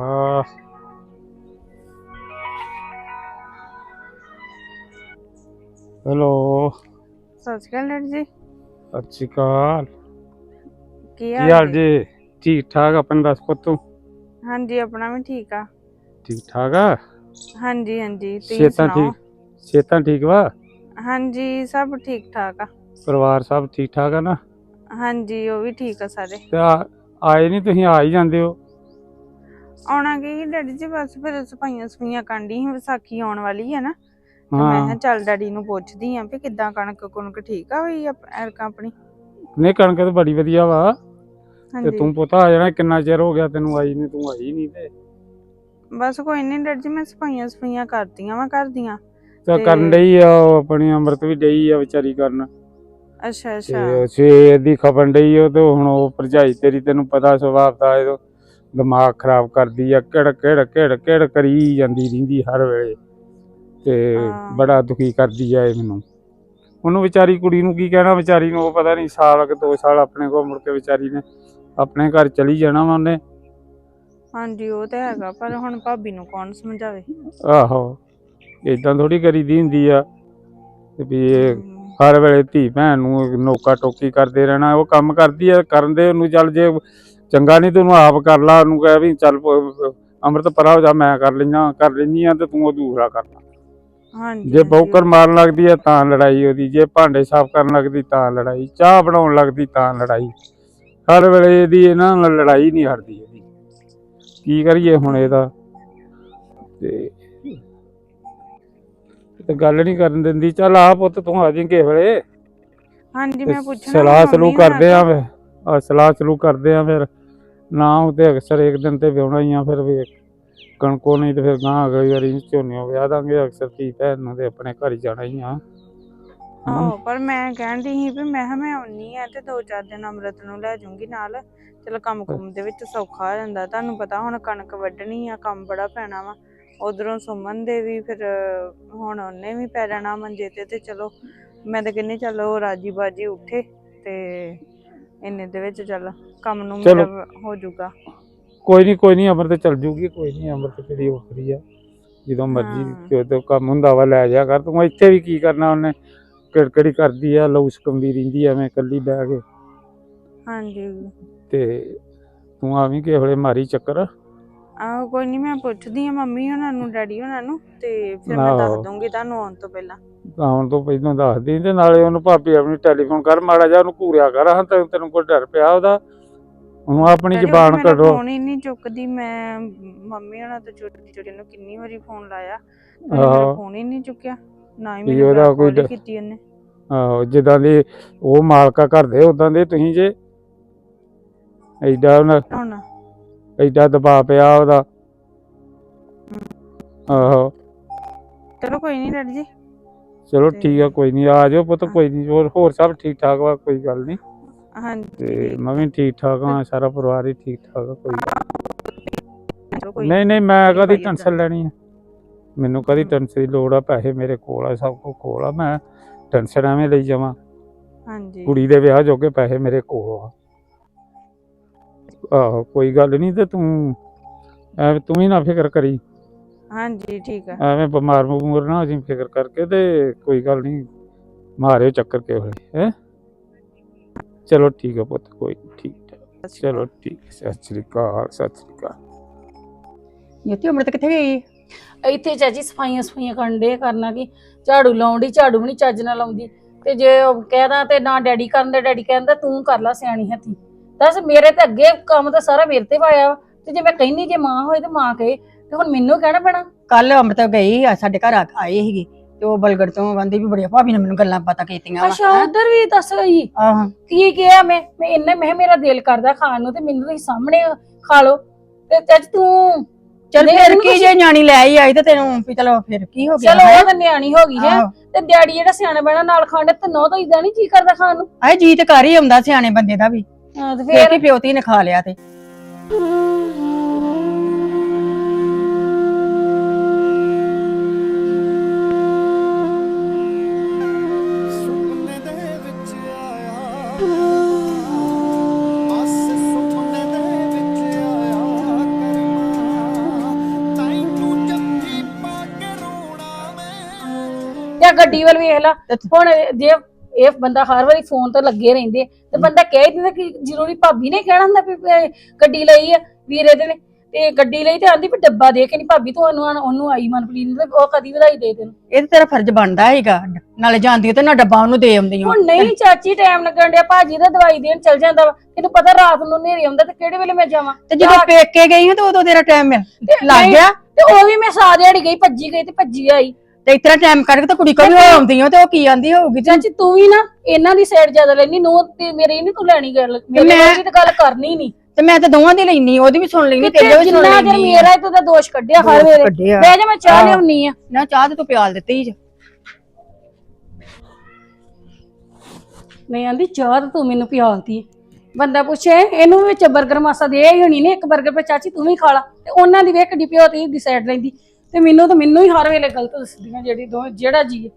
ਹੈਲੋ, ਸਤਿ ਸ਼੍ਰੀ ਅਕਾਲ ਡੈਡੀ ਜੀ। ਸਤਿ ਸ਼੍ਰੀ ਅਕਾਲ। ਕੀ ਕੀ ਹਾਲ ਹਾਲ ਜੀ? ਜੀ? ਠੀਕ ਠਾਕ। ਆਪਣੀ ਦੱਸ ਪੁੱਤੂ? ਹਾਂਜੀ ਆਪਣਾ ਵੀ ਠੀਕ ਆ। ਠੀਕ ਠਾਕ ਆ। ਹਾਂਜੀ ਹਾਂਜੀ ਤੁਸੀਂ ਸਿਹਤਾਂ ਸੁਣਾਓ? ਠੀਕ? ਸਿਹਤਾਂ ਠੀਕ ਵਾ? ਹਾਂਜੀ ਸਭ ਠੀਕ ਠਾਕ ਆ। ਪਰਿਵਾਰ ਸਭ ਠੀਕ ਠਾਕ ਆ ਨਾ? ਹਾਂਜੀ ਉਹ ਵੀ ਠੀਕ ਆ ਸਾਰੇ। ਤੇ ਆਏ ਨਹੀਂ ਤੁਸੀਂ? ਆ ਹੀ ਜਾਂਦੇ ਹੋ। ਆਉਣਾ ਕੀ ਡੈਡੀ ਜੀ, ਬਸ ਫਿਰ ਸਫਾਈਆਂ ਸਫਾਈਆਂ ਕਰਨੀ ਸੀ, ਵਿਸਾਖੀ ਆਉਣ ਵਾਲੀ ਹੈ ਨਾ ਤੇ ਮੈਂ ਕਿਹਾ ਚੱਲ ਡੈਡੀ ਨੂੰ ਪੁੱਛਦੀ ਆਂ ਵੀ ਕਿੱਦਾਂ ਕਣਕ ਕੁਣਕ ਠੀਕ ਆ ਹੋਈ ਐਰਕਾਂ ਆਪਣੀ। ਨਹੀਂ, ਕਣਕ ਤਾਂ ਬੜੀ ਵਧੀਆ ਵਾ। ਤੇ ਹਾਂਜੀ ਤੂੰ ਪੁੱਤ ਆ ਜਾਣਾ। ਕਿੰਨਾ ਚਿਰ ਹੋ ਗਿਆ ਤੈਨੂੰ ਆਈ ਨਹੀਂ? ਤੂੰ ਆਈ ਨਹੀਂ ਤੇ ਬਸ ਕੋਈ ਨਹੀਂ ਡੈਡੀ ਜੀ, ਮੈਂ ਸਫਾਈਆਂ ਸਫਾਈਆਂ ਕਰਦੀਆਂ ਵਾ ਕਰਦੀਆਂ। ਤਾਂ ਤੇ- ਕਰਨ ਡਈ ਆ। ਉਹ ਆਪਣੀ ਅੰਮ੍ਰਿਤ ਵੀ ਡਈ ਆ ਵਿਚਾਰੀ ਕਰਨ। ਅੱਛਾ ਅੱਛਾ। ਤੇ ਸਵੇਰ ਦੀ ਖਪਣ ਡਈ ਉਹ ਤੇ ਹੁਣ ਉਹ ਭਰਜਾਈ ਤੇਰੀ ਤੈਨੂੰ ਪਤਾ ਸੁਭਾਅ ਦਾ ਇਹਦਾ ਦਿਮਾਗ ਖਰਾਬ ਕਰਦੀ ਆ। ਕਿੜ ਕਿੜ ਕਿੜ ਕਿੜ ਕਰੀ ਜਾਂਦੀ ਰਹਿੰਦੀ ਹਰ ਵੇਲੇ ਤੇ ਹਾਂ। ਬੜਾ ਦੁਖੀ ਕਰਦੀ ਆ ਇਹ ਮੈਨੂੰ। ਉਹਨੂੰ ਵਿਚਾਰੀ ਕੁੜੀ ਨੂੰ ਕੀ ਕਹਿਣਾ? ਵਿਚਾਰੀ ਨੂੰ ਉਹ ਪਤਾ ਨਹੀਂ ਸਾਲ ਕਿ 2 ਸਾਲ ਆਪਣੇ ਕੋਲ ਮੁੜ ਕੇ ਵਿਚਾਰੀ ਨੇ ਆਪਣੇ ਘਰ ਚਲੀ ਜਾਣਾ ਵਾ ਉਹਨੇ। ਹਾਂਜੀ ਉਹ ਤੇ ਹੈਗਾ, ਪਰ ਹੁਣ ਭਾਬੀ ਨੂੰ ਕੌਣ ਸਮਝਾਵੇ। ਆਹੋ, ਏਦਾਂ ਥੋੜੀ ਕਰੀਦੀ ਹੁੰਦੀ ਆ ਤੇ ਵੀ ਇਹ ਹਰ ਵੇਲੇ ਧੀ ਭੈਣ ਨੂੰ ਨੋਕਾ ਟੋਕੀ ਕਰਦੇ ਰਹਿਣਾ। ਉਹ ਕੰਮ ਕਰਦੀ ਆ, ਕਰਨ ਦੇ ਉਹਨੂੰ। ਚੱਲ ਜੇ ਚੰਗਾ ਨਹੀਂ ਤੇ ਉਹਨੂੰ ਆਪ ਕਰ ਲਾ। ਉਹਨੂੰ ਕਹਿ ਵੀ ਚੱਲ ਅੰਮ੍ਰਿਤ ਪਰਾ ਹੋ ਜਾ, ਮੈਂ ਕਰ ਲੈਂਦੀ ਆ ਤੇ ਤੂੰ ਉਹ ਦੂਸਰਾ ਕਰ ਲਾ। ਹਾਂਜੀ ਜੇ ਬੌਕਰ ਮਾਰਨ ਲੱਗਦੀ ਆ ਤਾਂ ਲੜਾਈ ਉਹਦੀ। ਜੇ ਭਾਂਡੇ ਸਾਫ਼ ਕਰਨ ਲੱਗਦੀ ਤਾਂ ਲੜਾਈ। ਚਾਹ ਬਣਾਉਣ ਲੱਗਦੀ ਤਾਂ ਲੜਾਈ। ਹਰ ਵੇਲੇ ਇਹਦੀ ਇਹਨਾਂ ਨਾਲ ਲੜਾਈ ਨਹੀਂ ਹਟਦੀ ਇਹਦੀ। ਕੀ ਕਰੀਏ ਹੁਣ ਇਹਦਾ? ਤੇ ਗੱਲ ਨਹੀਂ ਕਰਨ ਦਿੰਦੀ। ਚੱਲ ਆ ਪੁੱਤ ਤੂੰ ਆ ਜੀ ਕਿਸੇ ਵੇਲੇ। ਹਾਂਜੀ ਤੇ ਮੈਂ ਪੁੱਛਣਾ ਸਲਾਹ ਸਲੂਹ ਕਰਦੇ ਆ ਫਿਰ। ਸਲਾਹ ਸਲੂਹ ਕਰਦੇ ਆ ਫਿਰ। ਨਾ ਉਹ ਤੇ ਅਕਸਰ ਇੱਕ ਦਿਨ ਤੇ ਵਿਆਹੁਣਾ ਹੀ ਆ। ਫਿਰ ਵੀ ਕਣਕੋ ਨਹੀਂ ਤੇ ਫਿਰ ਗਾਂ ਅਗਲੀ ਵਾਰੀ ਝੋਨੇ ਵਿਆਹ ਦਾਂਗੇ। ਅਕਸਰ ਧੀ ਭੈਣ ਨੂੰ ਤੇ ਆਪਣੇ ਘਰ ਹੀ ਜਾਣਾ ਹੀ ਆ। ਆਹੋ, ਪਰ ਮੈਂ ਕਹਿੰਦੀ ਸੀ ਵੀ ਮੈਂ ਕਿਹਾ ਮੈਂ ਆਉਣੀ ਆ ਤੇ 2-4 ਦਿਨ ਅੰਮ੍ਰਿਤ ਨੂੰ ਲੈ ਜਾਊਂਗੀ ਨਾਲ। ਚਲ ਕੰਮ ਕੁੰਮ ਦੇ ਵਿੱਚ ਸੌਖਾ ਹੋ ਜਾਂਦਾ। ਤੁਹਾਨੂੰ ਪਤਾ ਹੁਣ ਕਣਕ ਵੱਢਣੀ ਆ, ਕੰਮ ਬੜਾ ਪੈਣਾ ਵਾ। ਉਧਰੋਂ ਸੁਮਨ ਦੇ ਵੀ ਫਿਰ ਹੁਣ ਉਹਨੇ ਵੀ ਪੈ ਜਾਣਾ ਮੰਜੇ ਤੇ ਚਲੋ ਮੈਂ ਤਾਂ ਕਹਿੰਦੀ ਚੱਲ ਉਹ ਰਾਜੀ ਬਾਜੀ ਉੱਠੇ ਤੇ ਇੰਨੇ ਦੇ ਵਿੱਚ ਚੱਲ ਕੰਮ ਨੂੰ ਚਲੋ। ਮੇਰਾ ਹੋ ਜਾਊਗਾ। ਕੋਈ ਨਹੀਂ ਅੰਮ੍ਰਿਤ ਚੱਲ ਜੂਗੀ। ਕੋਈ ਨਹੀਂ, ਅੰਮ੍ਰਿਤ ਕਿਹੜੀ ਔਖਰੀ ਆ। ਜਦੋਂ ਮਰਜ਼ੀ ਹਾਂ। ਜਦੋਂ ਕੰਮ ਹੁੰਦਾ ਵਾ ਲੈ ਜਾ ਕਰ। ਤੂੰ ਇੱਥੇ ਵੀ ਕੀ ਕਰਨਾ? ਉਹਨੇ ਕਿੜਕੜੀ ਕਰਦੀ ਆ, ਲਊ ਸਕੰਦੀ ਰਹਿੰਦੀ ਐਵੇਂ ਇਕੱਲੀ ਬਹਿ ਕੇ। ਹਾਂਜੀ ਤੇ ਤੂੰ ਆਵੀਂ ਕਿਸੇ ਵੇਲੇ ਮਾਰੀ ਚੱਕਰ। ਆਹੋ ਕੋਈ ਨਹੀਂ, ਮੈਂ ਪੁੱਛਦੀ ਆ ਮੰਮੀ ਉਹਨਾਂ ਨੂੰ ਡੈਡੀ ਉਹਨਾਂ ਨੂੰ ਤੇ ਫਿਰ ਮੈਂ ਦੱਸ ਆਹੋ। ਦੂੰਗੀ ਤੁਹਾਨੂੰ ਆਉਣ ਤੋਂ ਪਹਿਲਾਂ। ਆਉਣ ਤੋਂ ਪਹਿਲਾਂ ਦੱਸਦੀ। ਤੇ ਨਾਲੇ ਉਹਨੂੰ ਭਾਬੀ ਆਪਣੀ ਟੈਲੀਫੋਨ ਕਰ ਮਾੜਾ ਜਿਹਾ, ਉਹਨੂੰ ਘੂਰਿਆ ਕਰ। ਹਾਂ ਤੈਨੂੰ ਕੋਈ ਡਰ ਪਿਆ ਉਹਦਾ? ਉਹਨੂੰ ਆਪਣੀ ਡੈਡੀ ਜ਼ਬਾਨ ਮੇਰਾ ਕੱਢੋ। ਫੋਨ ਹੀ ਨਹੀਂ ਚੁੱਕਦੀ। ਮੈਂ ਮੰਮੀ ਉਹਨਾਂ ਤੋਂ ਛੋਟੀ ਨੂੰ ਕਿੰਨੀ ਵਾਰੀ ਫੋਨ ਲਾਇਆ, ਉਹਨੇ ਮੇਰਾ ਆਹੋ। ਫੋਨ ਹੀ ਨਹੀਂ ਚੁੱਕਿਆ। ਨਾ ਹੀ ਵੀ ਮੈਨੂੰ ਉਹਦਾ ਬੈਕ ਕੋਈ ਕਾਲ ਕੀਤੀ ਉਹਨੇ। ਆਹੋ, ਜਿੱਦਾਂ ਦੇ ਉਹ ਮਾਲਕਾ ਘਰ ਦੇ ਉਦਾਂ ਦੇ ਤੁਸੀਂ ਜੇ। ਹੁਣ ਐਡਾ ਦਬਾਅ ਪਿਆ ਉਹਦਾ। ਆਹੋ ਚਲੋ ਕੋਈ ਨਹੀਂ ਡੈਡੀ ਜੀ। ਚਲੋ ਠੀਕ ਆ। ਕੋਈ ਨਹੀਂ, ਆ ਜਾਓ ਪੁੱਤ। ਕੋਈ ਨਹੀਂ, ਹੋਰ ਸਭ ਠੀਕ ਠਾਕ ਵਾ। ਕੋਈ ਗੱਲ ਨਹੀਂ। ਹਾਂਜੀ ਤੇ ਮੈਂ ਵੀ ਠੀਕ ਠਾਕ ਹਾਂ। ਸਾਰਾ ਪਰਿਵਾਰ ਹੀ ਠੀਕ ਠਾਕ ਆ। ਕੋਈ ਚਲੋ ਕੋਈ ਨਹੀਂ ਮੈਂ ਕਦੀ ਭਾਈ ਟੈਨਸ਼ਨ ਲੈਣੀ ਆ? ਮੈਨੂੰ ਕਦੀ ਟੈਨਸ਼ਨ ਦੀ ਲੋੜ ਆ? ਪੈਸੇ ਮੇਰੇ ਕੋਲ ਆ, ਸਭ ਕੁਝ ਕੋਲ ਆ। ਮੈਂ ਟੈਨਸ਼ਨ ਐਵੇਂ ਲਈ ਜਾਵਾਂ? ਹਾਂਜੀ ਕੁੜੀ ਦੇ ਵਿਆਹ ਜੋਗੇ ਪੈਸੇ ਮੇਰੇ ਕੋਲ ਆ। ਆਹੋ ਕੋਈ ਗੱਲ ਨਹੀਂ। ਤੇ ਤੂੰ ਐਵੇਂ ਤੂੰ ਵੀ ਨਾ ਫਿਕਰ ਕਰੀ। ਹਾਂਜੀ ਠੀਕ ਆ। ਐਵੇਂ ਬਿਮਾਰ ਬਮੂਰ ਨਾ ਹੋ ਜੀ ਫਿਕਰ ਕਰਕੇ। ਤੇ ਕੋਈ ਗੱਲ ਨਹੀਂ, ਮਾਰਿਓ ਚੱਕਰ ਕਿਸੇ ਵੇਲੇ। ਹੈਂ ਚਲੋ ਠੀਕ ਆ ਪੁੱਤ। ਕੋਈ ਨੀ, ਠੀਕ ਠਾਕ। ਚਲੋ ਠੀਕ। ਸਤਿ ਸ੍ਰੀ ਅਕਾਲ। ਸਤਿ ਸ੍ਰੀ ਅਕਾਲ। ਜੋਤੀ ਅੰਮ੍ਰਿਤ ਕਿੱਥੇ ਗਈ? ਇੱਥੇ ਚਾਚੀ ਸਫਾਈਆਂ ਕਰਨ ਦੇ ਕਰਨਾ ਕਿ ਝਾੜੂ ਲਾਉਣ ਦੀ, ਝਾੜੂ ਵੀ ਨਹੀਂ ਚੱਜ ਨਾਲ ਲਾਉਂਦੀ ਤੇ ਜੇ ਉਹ ਕਹਿਦਾ ਤੇ ਨਾ ਡੈਡੀ ਕਰਨ ਦੇ, ਡੈਡੀ ਕਹਿੰਦਾ ਤੂੰ ਕਰ ਲੈ ਸਿਆਣੀ ਹੱਥੀ। ਦੱਸ ਮੇਰੇ ਤੇ ਅੱਗੇ ਕੰਮ ਤਾਂ ਸਾਰਾ ਮੇਰੇ ਤੇ ਪਾਇਆ ਵਾ, ਤੇ ਜੇ ਮੈਂ ਕਹਿੰਦੀ ਜੇ ਮਾਂ ਹੋਏ ਤੇ ਮਾਂ ਕਹੇ, ਤੇ ਹੁਣ ਮੈਨੂੰ ਕਹਿਣਾ ਪੈਣਾ। ਕੱਲ ਅੰਮ੍ਰਿਤ ਗਈ ਆ ਸਾਡੇ ਘਰ ਆਏ ਸੀਗੀ ਤੇ ਉਹ ਬਲਗੜ ਤੋਂ ਕਹਿੰਦੀ ਵੀ ਬੜੀਆਂ ਭਾਬੀ ਨੇ ਮੈਨੂੰ ਗੱਲਾਂ ਪਤਾ ਕੀਤੀਆਂ ਵਾ। ਅੱਛਾ ਉਧਰ ਵੀ ਦੱਸ ਗਈ ਆਹੋ ਕੀ ਕਿਹਾ ਮੈਂ ਇੰਨੇ ਮੈਂ ਕਿਹਾ ਮੇਰਾ ਦਿਲ ਕਰਦਾ ਖਾਣ ਨੂੰ ਤੇ ਮੈਨੂੰ ਤੁਸੀਂ ਸਾਹਮਣੇ ਖਾ ਲਓ ਤੇ ਅੱਜ ਤੂੰ ਚੱਲ ਨਹੀਂ, ਫਿਰ ਉਹਨੂੰ ਕੀ ਜੇ ਨਿਆਣੀ ਲੈ ਹੀ ਆਈ ਤੇ ਤੈਨੂੰ ਵੀ ਚਲੋ ਫਿਰ ਕੀ ਹੋ ਗਿਆ। ਚਲੋ ਉਹ ਤਾਂ ਨਿਆਣੀ ਹੋ ਗਈ ਹੈ ਆਹੋ। ਤੇ ਡੈਡੀ ਜਿਹੜਾ ਸਿਆਣਾ ਬਹਿਣਾ ਨਾਲ ਖਾਂਦੇ ਤੇ ਨੋ ਤਾਂ ਇਦਾਂ ਨਹੀਂ ਜੀ ਕਰਦਾ ਖਾਣ ਨੂੰ। ਆਏ ਜੀ ਤੇ ਘਰ ਹੀ ਆਉਂਦਾ ਸਿਆਣੇ ਬੰਦੇ ਦਾ ਵੀ, ਹਾਂ ਤੇ ਫੇਰ ਫੇਰ ਕੀ ਪਿਓਤੀ ਨੇ ਖਾ ਲਿਆ ਤੇ। ਸੁਪਨੇ ਦੇ ਵਿੱਚ ਆਇਆ ਬਸ ਸੁਪਨੇ ਦੇ ਵਿੱਚ ਆਇਆ ਕਰਮਾ ਤੈਨੂੰ ਜੱਫੀ ਪਾ ਕੇ ਰੋਣਾ ਮੈਂ ਜਾਂ ਗੱਡੀ ਵੱਲ ਵੇਖ ਲਾ। ਹੁਣ ਜੇ ਇਹ ਬੰਦਾ ਹਰ ਵਾਰੀ ਫੋਨ ਤੇ ਲੱਗੇ ਰਹਿੰਦੇ ਤੇ ਬੰਦਾ ਕਹਿ ਹੀ ਦਿੰਦਾ ਕਿ ਜ਼ਰੂਰੀ ਭਾਬੀ ਨੇ ਕਹਿਣਾ ਹੁੰਦਾ ਵੀ ਗੱਡੀ ਲਈ ਆ ਵੀਰੇ ਦੇ ਨੇ ਤੇ ਗੱਡੀ ਲਈ ਤੇ ਆਂਦੀ ਵੀ ਡੱਬਾ ਦੇ ਕੇ ਨਹੀਂ ਭਾਬੀ ਤੂੰ ਉਹਨੂੰ ਆਈ ਮਨਪ੍ਰੀਤ ਨੂੰ ਤੇ ਉਹ ਕਦੀ ਵਧਾਈ ਦੇ ਦੇਣ। ਇਹ ਤੇ ਤੇਰਾ ਫਰਜ਼ ਬਣਦਾ ਹੈਗਾ, ਨਾਲੇ ਜਾਂਦੀ ਤੇ ਨਾ ਡੱਬਾ ਉਹਨੂੰ ਦੇ ਆਉਂਦੀ ਹੁਣ ਨਹੀਂ ਚਾਚੀ ਟਾਈਮ ਲੱਗਣ ਡਿਆ, ਭਾਜੀ ਦਾ ਦਵਾਈ ਦੇਣ ਚਲ ਜਾਂਦਾ ਵਾ, ਤੈਨੂੰ ਪਤਾ ਰਾਤ ਨੂੰ ਹਨੇਰੇ ਆਉਂਦਾ ਤੇ ਕਿਹੜੇ ਵੇਲੇ ਮੈਂ ਜਾਵਾਂ। ਤੇ ਜਦੋਂ ਪੇਕੇ ਗਈ ਤੇ ਉਦੋਂ ਤੇਰਾ ਟਾਈਮ ਲੱਗ ਨਹੀਂ, ਗਿਆ ਤੇ ਉਹ ਵੀ ਮੈਂ ਸਾਹ ਦਿਹਾੜੀ ਗਈ ਭੱਜੀ ਗਈ ਤੇ ਭੱਜੀ ਆਈ। ਤੇ ਇਤਨਾ ਟਾਈਮ ਕੱਢ ਕੇ ਤਾਂ ਕੁੜੀ ਕੋਲ ਵੀ ਆਉਂਦੀ ਹੋ ਤੇ ਉਹ ਕੀ ਆਂਦੀ ਹੋਊਗੀ। ਚਾਚੀ ਤੂੰ ਵੀ ਨਾ ਇਹਨਾਂ ਦੀ ਸਾਈਡ ਜ਼ਿਆਦਾ ਲੈਣੀ, ਨੂੰ ਤੇ ਮੇਰੀ ਨਹੀਂ ਤੂੰ ਲੈਣੀ ਗੱਲ, ਮੇਰੇ ਨਾਲ ਵੀ ਤਾਂ ਗੱਲ ਕਰਨੀ ਨਹੀਂ। ਤੇ ਮੈਂ ਤਾਂ ਦੋਵਾਂ ਦੀ ਲੈਣੀ, ਉਹਦੀ ਵੀ ਸੁਣ ਲੈਣੀ ਤੇਰੀ ਵੀ ਸੁਣ ਜਿੰਨਾ ਚਿਰ ਲੈਣੀ। ਮੇਰਾ ਤੂੰ ਤਾਂ ਦੋਸ਼ ਕੱਢਿਆ ਹਰ ਵੇਲੇ। ਬਹਿ ਜਾ ਮੈਂ ਚਾਹ ਲਿਆਉਣੀ ਆ। ਨਾ ਚਾਹ ਤੇ ਤੂੰ ਪਿਆਲ ਦਿੱਤੀ ਜ। ਨਹੀਂ ਆਂਦੀ ਚਾਹ ਤਾਂ ਤੂੰ ਮੈਨੂੰ ਪਿਆਲਤੀ। ਬੰਦਾ ਪੁੱਛੇ ਇਹਨੂੰ ਵਿੱਚ 버ਗਰ ਮਾਸਾ ਦੇ ਹੀ ਹੋਣੀ ਨੇ, ਇੱਕ 버ਗਰ ਪੇ ਚਾਚੀ ਤੂੰ ਵੀ ਖਾ ਲਾ, ਤੇ ਉਹਨਾਂ ਦੀ ਵੇਖ ਡਿਪਿਓ ਤੇ ਦੀ ਸਾਈਡ ਲੈਂਦੀ ਤੇ ਮੈਨੂੰ ਹੀ ਹਰ ਵੇਲੇ ਗਲਤ ਦੱਸਦੀਆਂ ਜਿਹੜਾ ਜੀ।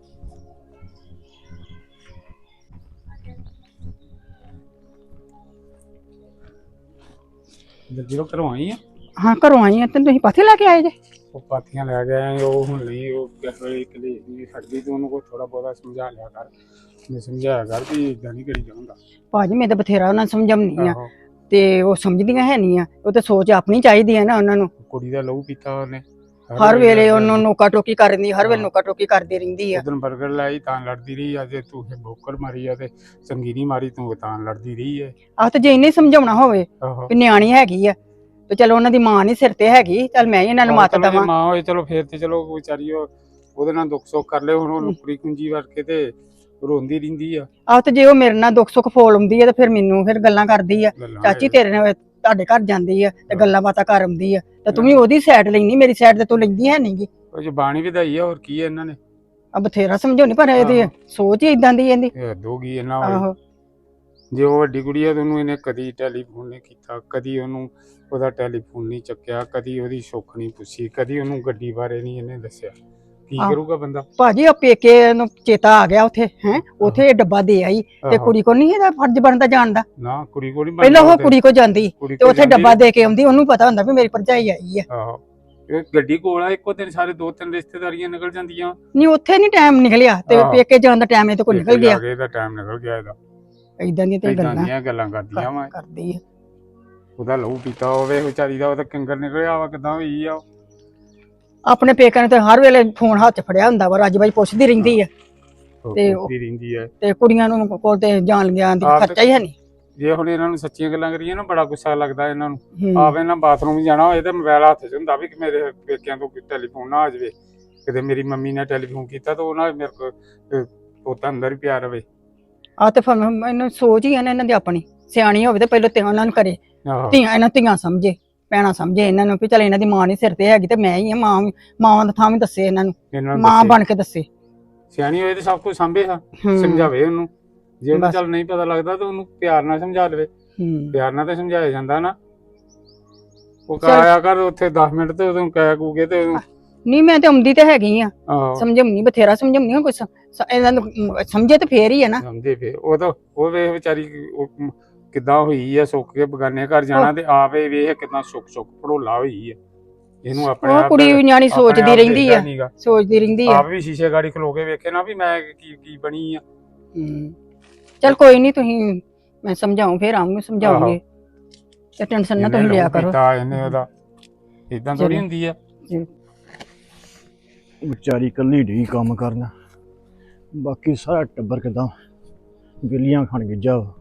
ਜਦੋਂ ਕਰਵਾਈ ਆ ਹਾਂ ਘਰੋਂ ਆਈ ਆ ਤੇ ਤੁਸੀਂ ਪਾਥੇ ਲੈ ਕੇ ਆਏ ਜੇ। ਉਹ ਪਾਥੀਆਂ ਲੈ ਕੇ ਆਏ, ਉਹ ਹੁਣ ਨਹੀਂ ਉਹ ਕਿਸੇ ਵੇਲੇ ਕਲੇ ਨਹੀਂ ਛੱਡਦੀ, ਤੂੰ ਉਹਨੂੰ ਕੋਈ ਥੋੜਾ ਬਹੁਤਾ ਸਮਝਾ ਲਿਆ ਕਰ, ਮੈਂ ਸਮਝਾਇਆ ਕਰ ਵੀ ਇਦਾਂ ਨਹੀਂ ਕਰੀ ਜਾਊਂਗਾ। ਭਾਜੀ ਮੈਂ ਤਾਂ ਬਥੇਰਾ ਉਹਨਾਂ ਨੂੰ ਸਮਝਾਉਣੀ ਆ ਤੇ ਉਹ ਸਮਝਦੀਆਂ ਹੈ ਨਹੀਂ ਆ, ਉਹ ਤਾਂ ਸੋਚ ਆਪਣੀ ਚਾਹੀਦੀ ਹੈ ਨਾ ਉਹਨਾਂ ਨੂੰ। ਕੁੜੀ ਦਾ ਲਹੂ ਪੀਤਾ ਉਹਨੇ, ਹਰ ਵੇਲੇ ਉਹਨੂੰ ਨੋਕਾ ਟੋਕੀ ਕਰ ਦਿੰਦੀ, ਹਰ ਵੇਲੇ ਨੋਕਾ ਟੋਕੀ ਕਰਦੀ ਰਹਿੰਦੀ ਆ। ਉਦੋਂ 버ਗਰ ਲਾਈ ਤਾਂ ਲੜਦੀ ਰਹੀ, ਅੱਜ ਤੂੰ ਬੋਕਰ ਮਾਰੀ ਆ ਤੇ ਸੰਗੀਨੀ ਮਾਰੀ ਤੂੰ ਤਾਂ ਲੜਦੀ ਰਹੀ ਹੈ। ਆਹ ਤੇ ਜੇ ਇਹਨੇ ਸਮਝਾਉਣਾ ਹੋਵੇ ਆਹੋ ਵੀ ਨਿਆਣੀ ਹੈਗੀ ਆ ਤੇ ਚਲੋ ਉਹਨਾਂ ਦੀ ਮਾਂ ਨਹੀਂ ਸਿਰ ਤੇ ਹੈਗੀ, ਚੱਲ ਮੈਂ ਹੀ ਇਹਨਾਂ ਨੂੰ ਮੱਤ ਚਲੋ ਜੇ ਦੇਵਾਂ। ਮਾਂ ਹੋਏ ਚਲੋ ਫੇਰ ਤੇ ਚਲੋ ਵਿਚਾਰੀ ਉਹਦੇ ਨਾਲ ਦੁੱਖ ਸੁੱਖ ਕਰ ਲੈ, ਹੁਣ ਉਹਨੂੰ ਕੁੜੀ ਕੁੰਜੀ ਵਰ ਕੇ ਤੇ ਰੋਂਦੀ ਰਹਿੰਦੀ ਆ। ਆਹ ਤੇ ਜੇ ਉਹ ਮੇਰੇ ਨਾਲ ਦੁੱਖ ਸੁੱਖ ਫੋਲ ਆਉਂਦੀ ਆ ਤੇ ਫਿਰ ਮੈਨੂੰ ਫਿਰ ਗੱਲਾਂ ਕਰਦੀ ਆ, ਗੱਲਾਂ ਚਾਚੀ ਤੇਰੇ ਨਾਲ ਤੁਹਾਡੇ ਘਰ ਜਾਂਦੀ ਆ ਤੇ ਗੱਲਾਂ ਬਾਤਾਂ ਕਰ ਆਉਂਦੀ ਆ, ਤੇ ਤੂੰ ਵੀ ਉਹਦੀ ਸਾਈਡ ਲੈਣੀ, ਮੇਰੀ ਸਾਈਡ ਤੇ ਤੂੰ ਲੈਂਦੀ ਹੈ ਨਹੀਂਗੀ। ਉਹ ਜ਼ਬਾਨੀ ਵਧਾਈ ਆ, ਹੋਰ ਕੀ ਹੈ ਇਹਨਾਂ ਨੇ। ਆ ਬਥੇਰਾ ਸਮਝਾਉਣੀ ਪਰ ਇਹਦੀ ਸੋਚ ਹੀ ਇਦਾਂ ਦੀ ਇਹਦੀ। ਇਹ ਦੋਗੀ ਇਹਨਾਂ ਵਾਲੀ। ਆਹੋ ਜੇ ਉਹ ਵੱਡੀ ਕੁੜੀ ਆ ਤੇ ਉਹਨੂੰ ਇਹਨੇ ਕਦੀ ਟੈਲੀਫੋਨ ਨਹੀਂ ਕੀਤਾ, ਕਦੀ ਉਹਨੂੰ ਉਹਦਾ ਟੈਲੀਫੋਨ ਨਹੀਂ ਚੱਕਿਆ, ਕਦੀ ਉਹਦੀ ਸੁੱਖ ਨਹੀਂ ਪੁੱਛੀ, ਕਦੀ ਉਹਨੂੰ ਗੱਡੀ ਬਾਰੇ ਨਹੀਂ ਇਹਨੇ ਦੱਸਿਆ। ਕੀ ਕਰੂਗਾ ਬੰਦਾ। ਭਾਜੀ ਉਹ ਪੇਕੇ ਨੂੰ ਚੇਤਾ ਆ ਗਿਆ ਉੱਥੇ ਹੈ, ਉੱਥੇ ਡੱਬਾ ਦੇ ਆਈ ਤੇ ਕੁੜੀ ਕੋ ਨਹੀਂ ਇਹਦਾ ਫਰਜ਼ ਬਣਦਾ ਜਾਣ ਦਾ। ਨਾ ਕੁੜੀ ਕੋਲ ਨਹੀਂ ਪਹਿਲਾਂ ਉਹ ਕੁੜੀ ਕੋ ਜਾਂਦੀ ਤੇ ਉੱਥੇ ਡੱਬਾ ਦੇ ਕੇ ਆਉਂਦੀ, ਉਹਨੂੰ ਪਤਾ ਹੁੰਦਾ ਵੀ ਮੇਰੀ ਭਰਜਾਈ ਆਈ ਆ। ਆਹੋ ਇਹ ਗੱਡੀ ਕੋਲ ਆ, ਇੱਕੋ ਦਿਨ ਸਾਰੇ 2-3 ਰਿਸ਼ਤੇਦਾਰੀਆਂ ਨਿਕਲ ਜਾਂਦੀਆਂ। ਨਹੀਂ ਉੱਥੇ ਨਹੀਂ ਟਾਈਮ ਨਿਕਲਿਆ ਤੇ ਪੇਕੇ ਜਾਣ ਦਾ ਟਾਈਮ ਇਹ ਤੇ ਕੋਈ ਨਿਕਲ ਗਿਆ। ਇਹਦਾ ਟਾਈਮ ਨਿਕਲ ਗਿਆ ਇਹਦਾ। ਇਦਾਂ ਦੀਆਂ ਤੇ ਗੱਲਾਂ ਕਰਦੀਆਂ ਵਾ ਕਰਦੀ ਆ। ਉਹਦਾ ਲਹੂ ਪੀਤਾ ਹੋਵੇ ਵਿਚਾਰੀ ਦਾ, ਉਹ ਤਾਂ ਕੰਗਰ ਨਿਕਲਿਆ ਵਾ, ਕਿਦਾਂ ਹੋਈ ਆ। ਆਪਣੇ ਪੇਕਿਆਂ ਨੇ ਤੇ ਹਰ ਵੇਲੇ ਫੋਨ ਹੱਥ ਫੜਿਆ ਹੁੰਦਾ ਵਾ, ਰੱਜ ਬਾਈ ਪੁੱਛਦੀ ਰਹਿੰਦੀ ਆ ਪੁੱਛਦੀ ਰਹਿੰਦੀ ਹੈ ਤੇ ਕੁੜੀਆਂ ਨੂੰ ਕੋਲ ਤੇ ਜਾਣ ਗਿਆ ਦੀ ਖਰਚਾ ਹੀ ਹੈ ਨਹੀਂ। ਜੇ ਹੁਣ ਇਹਨਾਂ ਨੂੰ ਸੱਚੀਆਂ ਗੱਲਾਂ ਕਰੀਏ ਨਾ ਬੜਾ ਗੁੱਸਾ ਲੱਗਦਾ ਇਹਨਾਂ ਨੂੰ। ਆਵੇ ਨਾ ਬਾਥਰੂਮ ਜਾਣਾ ਹੋਏ ਤੇ ਮੋਬਾਈਲ ਹੱਥ 'ਚ ਹੁੰਦਾ ਵੀ ਕਿ ਮੇਰੇ ਪੇਕਿਆਂ ਤੋਂ ਟੈਲੀਫੋਨ ਨਾ ਆ ਜਾਵੇ, ਕਿਤੇ ਮੇਰੀ ਮੰਮੀ ਨੇ ਟੈਲੀਫੋਨ ਕੀਤਾ ਤਾਂ ਉਹ ਨਾ ਮੇਰੇ ਕੋਲ ਪੋਤਾ ਅੰਦਰ ਹੀ ਪਿਆ ਰਵੇ। ਆ ਤੇ ਮੈਨੂੰ ਸੋਚ ਹੀ ਹੈ ਨਾ ਇਹਨਾਂ ਦੀ ਆਪਣੀ, ਸਿਆਣੀ ਹੋਵੇ ਤੇ ਪਹਿਲਾਂ ਤੇ ਉਹਨਾਂ ਨੂੰ ਕਰੇ, ਇਹਨਾਂ ਧੀਆਂ ਸਮਝੇ, ਭੈਣਾਂ ਸਮਝੇ ਇਹਨਾਂ ਨੂੰ ਵੀ ਚੱਲ ਇਹਨਾਂ ਦੀ ਮਾਂ ਨਹੀਂ ਸਿਰ ਤੇ ਹੈਗੀ ਤੇ ਮੈਂ ਹੀ ਆ, ਮਾਂ ਦਾ ਥਾਂ ਵੀ ਦੱਸੇ ਇਹਨਾਂ ਨੂੰ, ਮਾਂ ਬਣ ਕੇ ਦੱਸੇ। ਸਿਆਣੀ ਹੋਏ ਤੇ ਸਭ ਕੁਝ ਸਾਂਭੇ, ਸਮਝਾਵੇ ਉਹਨੂੰ। ਜੇ ਉਹਨੂੰ ਚੱਲ ਨਹੀਂ ਪਤਾ ਲੱਗਦਾ ਤਾਂ ਉਹਨੂੰ ਪਿਆਰ ਨਾਲ ਸਮਝਾ ਲਵੇ, ਪਿਆਰ ਨਾਲ ਤਾਂ ਸਮਝਾਇਆ ਜਾਂਦਾ ਨਾ। ਉਹ ਕਹਾਇਆ ਕਰ ਉੱਥੇ 10 ਮਿੰਟ ਤੇ ਉਹਨੂੰ ਕਹਿ ਕੂਗੇ ਤੇ ਨਹੀਂ ਮੈਂ ਤੇ ਆਉਂਦੀ ਤੇ ਹੈਗੀ ਆ, ਸਮਝਾਉਣੀ ਬਥੇਰਾ ਸਮਝਾਉਣੀ ਆ, ਕੁਛ ਇਹਨਾਂ ਨੂੰ ਸਮਝੇ ਤੇ ਫੇਰ ਹੀ ਆ ਨਾ। ਸਮਝੇ ਫੇਰ ਉਹ ਤਾਂ ਉਹ ਵੇਖ ਵਿਚਾਰੀ ਕਿੱਦਾਂ ਹੋਈ ਆ, ਸੁੱਕ ਕੇ ਬਗਾਨੇ ਘਰ ਜਾਣਾ ਤੇ ਆਪੇ ਵੇਖ ਕਿੰਨਾ ਸੁੱਕ ਭੜੋਲਾ ਹੋਈ ਆ। ਇਹਨੂੰ ਆਪਣੇ ਆਪ ਕੁੜੀ ਨਿਆਣੀ ਸੋਚਦੀ ਰਹਿੰਦੀ ਆ, ਸੋਚਦੀ ਰਹਿੰਦੀ ਆ। ਆਪ ਵੀ ਸ਼ੀਸ਼ੇ ਗਾੜੀ ਖਲੋ ਕੇ ਵੇਖੇ ਨਾ ਵੀ ਮੈਂ ਕੀ ਬਣੀ ਆ। ਚਲ ਕੋਈ ਨਹੀਂ, ਤੁਸੀਂ ਮੈਂ ਸਮਝਾਉਂ ਫੇਰ ਆਉਂਗੀ, ਸਮਝਾਉਂਗੇ ਤੇ ਟੈਨਸ਼ਨ ਨਾ ਤੁਸੀਂ ਲਿਆ ਕਰੋ। ਇਹਨੇ ਉਹਦਾ ਇਦਾਂ ਥੋੜੀ ਹੁੰਦੀ ਆ। ਵਿਚਾਰੀ ਕੱਲੀ ਢੀ ਕੰਮ ਕਰਨਾ, ਬਾਕੀ ਸਾਰਾ ਟੱਬਰ ਕਿਦਾਂ ਬਿੱਲੀਆਂ ਖਾਣ ਗਿੱਜਾ ਵਾ।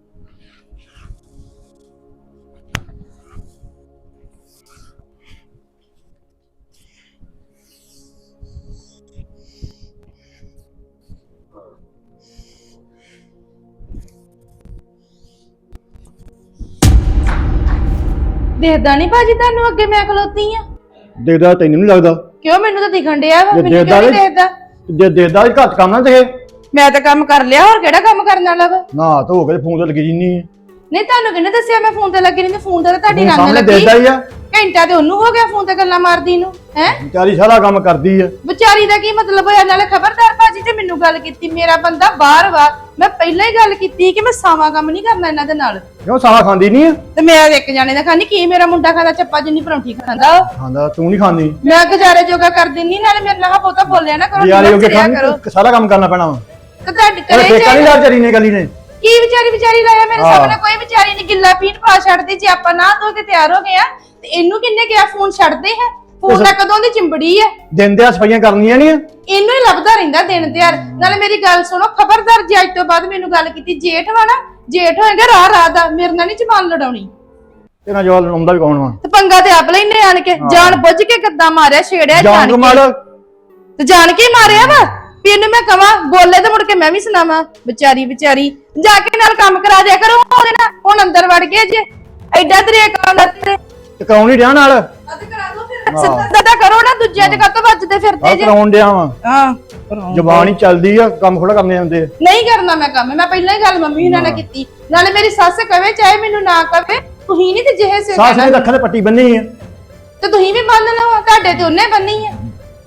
ਦੇਖਦਾ ਨਹੀਂ ਭਾਜੀ ਤੁਹਾਨੂੰ ਅੱਗੇ ਮੈਂ ਖਲੋਤੀ ਆ। ਦੇਖਦਾ ਤੈਨੂੰ ਨਹੀਂ ਲੱਗਦਾ? ਕਿਉਂ ਮੈਨੂੰ ਤਾਂ ਦਿਖਣ ਡਿਆ ਵਾ, ਜੇ ਮੈਨੂੰ ਦੇਖਦਾ ਕਿਉਂ ਨਹੀਂ ਨੀ- ਦੇਖਦਾ? ਜੇ ਦੇਖਦਾ ਵੀ ਘੱਟ ਕੰਮ ਨਾ ਦਿਖੇ। ਮੈਂ ਤਾਂ ਕੰਮ ਕਰ ਲਿਆ, ਹੋਰ ਕਿਹੜਾ ਕੰਮ ਕਰਨ ਵਾਲਾ ਵਾ? ਨਾ ਧੋ ਕੇ ਫੋਨ ਤੇ ਲੱਗੀ ਜਿੰਨੀ ਨਹੀਂ ਤੁਹਾਨੂੰ ਕਿਹਨੇ ਦੱਸਿਆ ਮੈਂ ਫੋਨ ਤੇ ਲੱਗੀ ਰਹਿੰਦੀ? ਫੋਨ ਤੇ ਤਾਂ ਤੁਹਾਡੀ ਰੰਗ ਸਾਹਮਣੇ ਲੱਗੀ। ਦੇਖਦਾ ਹੀ ਆ। ਘੰਟਾ ਤੇ ਉਹਨੂੰ ਹੋ ਗਿਆ ਫੋਨ ਤੇ ਗੱਲਾਂ ਮਾਰਦੀ ਨੂੰ। ਹੈ ਵਿਚਾਰੀ ਸਾਰਾ ਕੰਮ ਕਰਦੀ ਆ। ਵਿਚਾਰੀ ਦਾ ਕੀ ਮਤਲਬ ਹੋਇਆ? ਨਾਲੇ ਖਬਰਦਾਰ ਭਾਜੀ ਜੇ ਮੈਨੂੰ ਗੱਲ ਕੀਤੀ, ਮੇਰਾ ਬੰਦਾ ਬਾਹਰ ਵਾ, ਮੈਂ ਪਹਿਲਾਂ ਹੀ ਗੱਲ ਕੀਤੀ ਕਿ ਮੈਂ ਸਾਵਾ ਕੰਮ ਨਹੀਂ ਕਰਨਾ ਇਹਨਾਂ ਦੇ ਨਾਲ। ਕਿਉਂ ਸਾਰਾ ਖਾਂਦੀ ਨਹੀਂ ਆ? ਤੇ ਮੈਂ ਇੱਕ ਜਾਣੇ ਦਾ ਖਾਣੀ, ਕੀ ਮੇਰਾ ਮੁੰਡਾ ਖਾਂਦਾ ਚੱਪਾ ਜਿੰਨੀ ਪਰੌਂਠੀ ਖਾਂਦਾ ਉਹ? ਖਾਂਦਾ ਤੂੰ ਨਹੀਂ ਖਾਂਦੀ। ਮੈਂ ਗੁਜ਼ਾਰੇ ਜੋਗਾ ਕਰ ਦਿੰਨੀ, ਨਾਲੇ ਮੇਰੇ ਨਾਲ ਬਹੁਤਾ ਬੋਲਿਆ ਨਾ ਕਰੋ, ਯਾਰ ਇਹ ਕਰਿਆ ਕਰੋ। ਖਾਂਦੀ ਸਾਰਾ ਕੰਮ ਕਰਨਾ ਪੈਣਾ ਵਾ। ਤੇ ਤੁਹਾਡੇ ਇਹ ਕਰੇ ਠੇਕਾ ਨਹੀਂ ਲਾ ਵਿਚਾਰੀ ਨੇ ਗਲੀ ਨੇ। ਕੀ ਵਿਚਾਰੀ ਲਾਇਆ ਮੇਰੇ ਹਾਂ। ਸਾਹਮਣੇ? ਕੋਈ ਵਿਚਾਰੀ ਨਹੀਂ, ਗਿੱਲਾ ਪੀਣ ਪਾ ਛੱਡਦੀ। ਜੇ ਆਪਾਂ ਨਾ ਧੋ ਕੇ ਤਿਆਰ ਹੋ ਗਏ ਆ ਤੇ ਇਹਨੂੰ ਕਿੰਨੇ ਕਿਹਾ ਫੋਨ ਛੱਡਦੇ ਹੈ? ਫੋਨ ਤਾਂ ਕਦੋਂ ਦੀ ਚਿੰਬੜੀ ਆ। ਦਿਨ ਦੇ ਸਫਾਈਆਂ ਕਰਨੀਆਂ ਨਹੀਂ ਆ। ਇਹਨੂੰ ਹੀ ਲੱਭਦਾ ਰਹਿੰਦਾ ਦਿਨ ਤਿਆਰ। ਨਾਲੇ ਮੇਰੀ ਗੱਲ ਸੁਣੋ, ਖਬਰਦਾਰ ਜੇ ਅੱਜ ਤੋਂ ਬਾਅਦ ਮੈਨੂੰ ਗੱਲ ਕੀਤੀ, ਜੇਠ ਵਾ ਨਾ, ਜੇਠ ਹੋਏਗਾ ਰਾਹ ਦਾ, ਮੇਰੇ ਨਾਲ ਨਹੀਂ ਜ਼ਬਾਨ ਲੜਾਉਣੀ। ਤੇਰਾ ਜਵਾਬ ਲੜਾਉਂਦਾ ਵੀ ਕੌਣ ਵਾ? ਤੇ ਪੰਗਾ ਤੇ ਆਪ ਲੈਨੇ ਆਣ ਕੇ, ਜਾਣ ਬੁੱਝ ਕੇ ਕਿੱਦਾਂ ਮਾਰਿਆ, ਛੇੜਿਆ ਜਾਨ ਜਾਣ ਕਮਾਲ। ਕੇ। ਤੇ ਜਾਣ ਕੇ ਹੀ ਮਾਰਿਆ ਵਾ। ਵੀ ਇਹਨੂੰ ਮੈਂ ਕਵਾਂ ਬੋਲੇ ਤੇ ਮੁੜ ਕੇ ਮੈਂ ਵੀ ਸੁਣਾਵਾਂ। ਵਿਚਾਰੀ ਜਾ ਕੇ ਨਾਲ ਕੰਮ ਕਰਾ ਦਿਆ ਕਰੋ ਉਹਦੇ ਨਾਲ। ਹੁਣ ਅੰਦਰ ਵੜ ਗਏ ਜੇ, ਐਡਾ ਦਰਿਆ ਕੰਮ ਤੇ ਤੇ ਕਰਾਉਣ ਹੀ ਡਿਆ ਨਾਲ। ਕਰਾ ਦੋ ਫਿਰ। ਸਿੱਧਾ ਕਰੋ ਨਾ, ਦੂਜਿਆਂ ਚ ਕਾਤੋਂ ਵੱਜਦੇ ਫਿਰਦੇ ਆ ਜੇ। ਕਰਾਉਣ ਡਿਆ ਵਾ। ਹਾਂ ਜ਼ਬਾਨ ਹੀ ਚੱਲਦੀ ਆ, ਕੰਮ ਥੋੜਾ ਕਰਨੇ ਹੁੰਦੇ ਆ। ਨਹੀਂ ਕਰਨਾ ਮੈਂ ਕੰਮ, ਮੈਂ ਪਹਿਲਾਂ ਹੀ ਗੱਲ ਮੰਮੀ ਹੁਣਾਂ ਨਾਲ ਕੀਤੀ। ਨਾਲੇ ਮੇਰੀ ਸੱਸ ਕਵੇ ਚਾਹੇ ਮੈਨੂੰ ਨਾ ਕਵੇ, ਤੁਸੀਂ ਨਹੀਂ ਤੇ ਜਿਹੇ ਸੇ ਸਾਸ ਨੇ ਅੱਖਾਂ ਤੇ ਪੱਟੀ ਬੰਨੀ ਆ। ਤੇ ਤੁਸੀਂ ਵੀ ਬੰਨ ਲਓ, ਤੁਹਾਡੇ ਤੇ ਉਹਨੇ ਬੰਨੀ ਆ।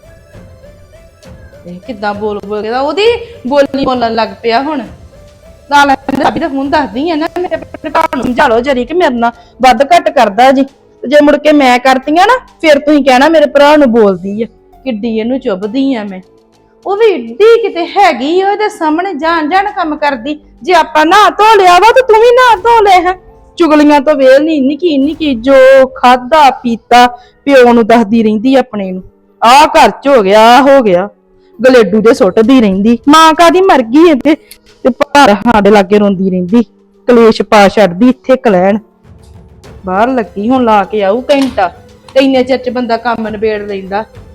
ਇਹ ਕਿੱਦਾਂ ਬੋਲ ਕੇ ਉਹਦੀ ਬੋਲੀ ਬੋਲਣ ਲੱਗ ਪਿਆ ਹੁਣ। ਨਾਲ ਭਾਬੀ ਦਾ ਫੋਨ ਦੱਸਦੀ ਆ ਨਾ, ਮੇਰੇ ਆਪਣੇ ਭਰਾ ਨੂੰ ਸਮਝਾ ਲਓ ਜਰੀ ਕਿ ਮੇਰੇ ਨਾਲ ਵੱਧ ਘੱਟ ਕਰਦਾ ਜੀ। ਤੇ ਜੇ ਮੁੜ ਕੇ ਮੈਂ ਕਰਤੀਆਂ ਨਾ, ਫਿਰ ਤੁਸੀਂ ਕਹਿਣਾ ਮੇਰੇ ਭਰਾ ਨੂੰ ਬੋਲਦੀ ਆ, ਕਿੱਡੀ ਇਹਨੂੰ ਚੁੱਭਦੀ ਆ ਮੈਂ। ਉਹ ਵੀ ਏਡੀ ਕਿਤੇ ਹੈਗੀ, ਉਹਦੇ ਸਾਹਮਣੇ ਜਾਣ ਕੰਮ ਕਰਦੀ। ਜੇ ਆਪਾਂ ਨਾ ਧੋ ਲਿਆ ਵਾ ਤੇ ਤੂੰ ਵੀ ਨਾ ਧੋ ਲੈ ਹੈ। ਚੁਗਲੀਆਂ ਤੋਂ ਵੇਲ ਨਹੀਂ, ਨਿੱਕੀ ਜੋ ਖਾਦਾ ਪੀਤਾ ਪਿਓ ਨੂੰ ਦੱਸਦੀ ਰਹਿੰਦੀ ਆਪਣੇ ਨੂੰ, ਆਹ ਘਰ ਚ ਹੋ ਗਿਆ, ਆਹ ਹੋ ਗਿਆ, ਗਲੇਡੂ ਦੇ ਸੁੱਟਦੀ ਰਹਿੰਦੀ। ਮਾਂ ਕਾਦੀ ਮਰ ਗਈ ਇੱਥੇ ਤੇ ਭਾਰ ਸਾਡੇ ਲਾਗੇ ਰੋਂਦੀ ਰਹਿੰਦੀ, ਕਲੇਸ਼ ਪਾ ਛੱਡਦੀ ਇੱਥੇ ਕਲੈਣ। ਬਾਹਰ ਲੱਗੀ ਹੁਣ ਲਾ ਕੇ ਆਊ ਘੰਟਾ, ਤੇ ਇੰਨੇ ਚਿਰ ਚ ਬੰਦਾ ਕੰਮ ਨਿਬੇੜ ਲੈਂਦਾ।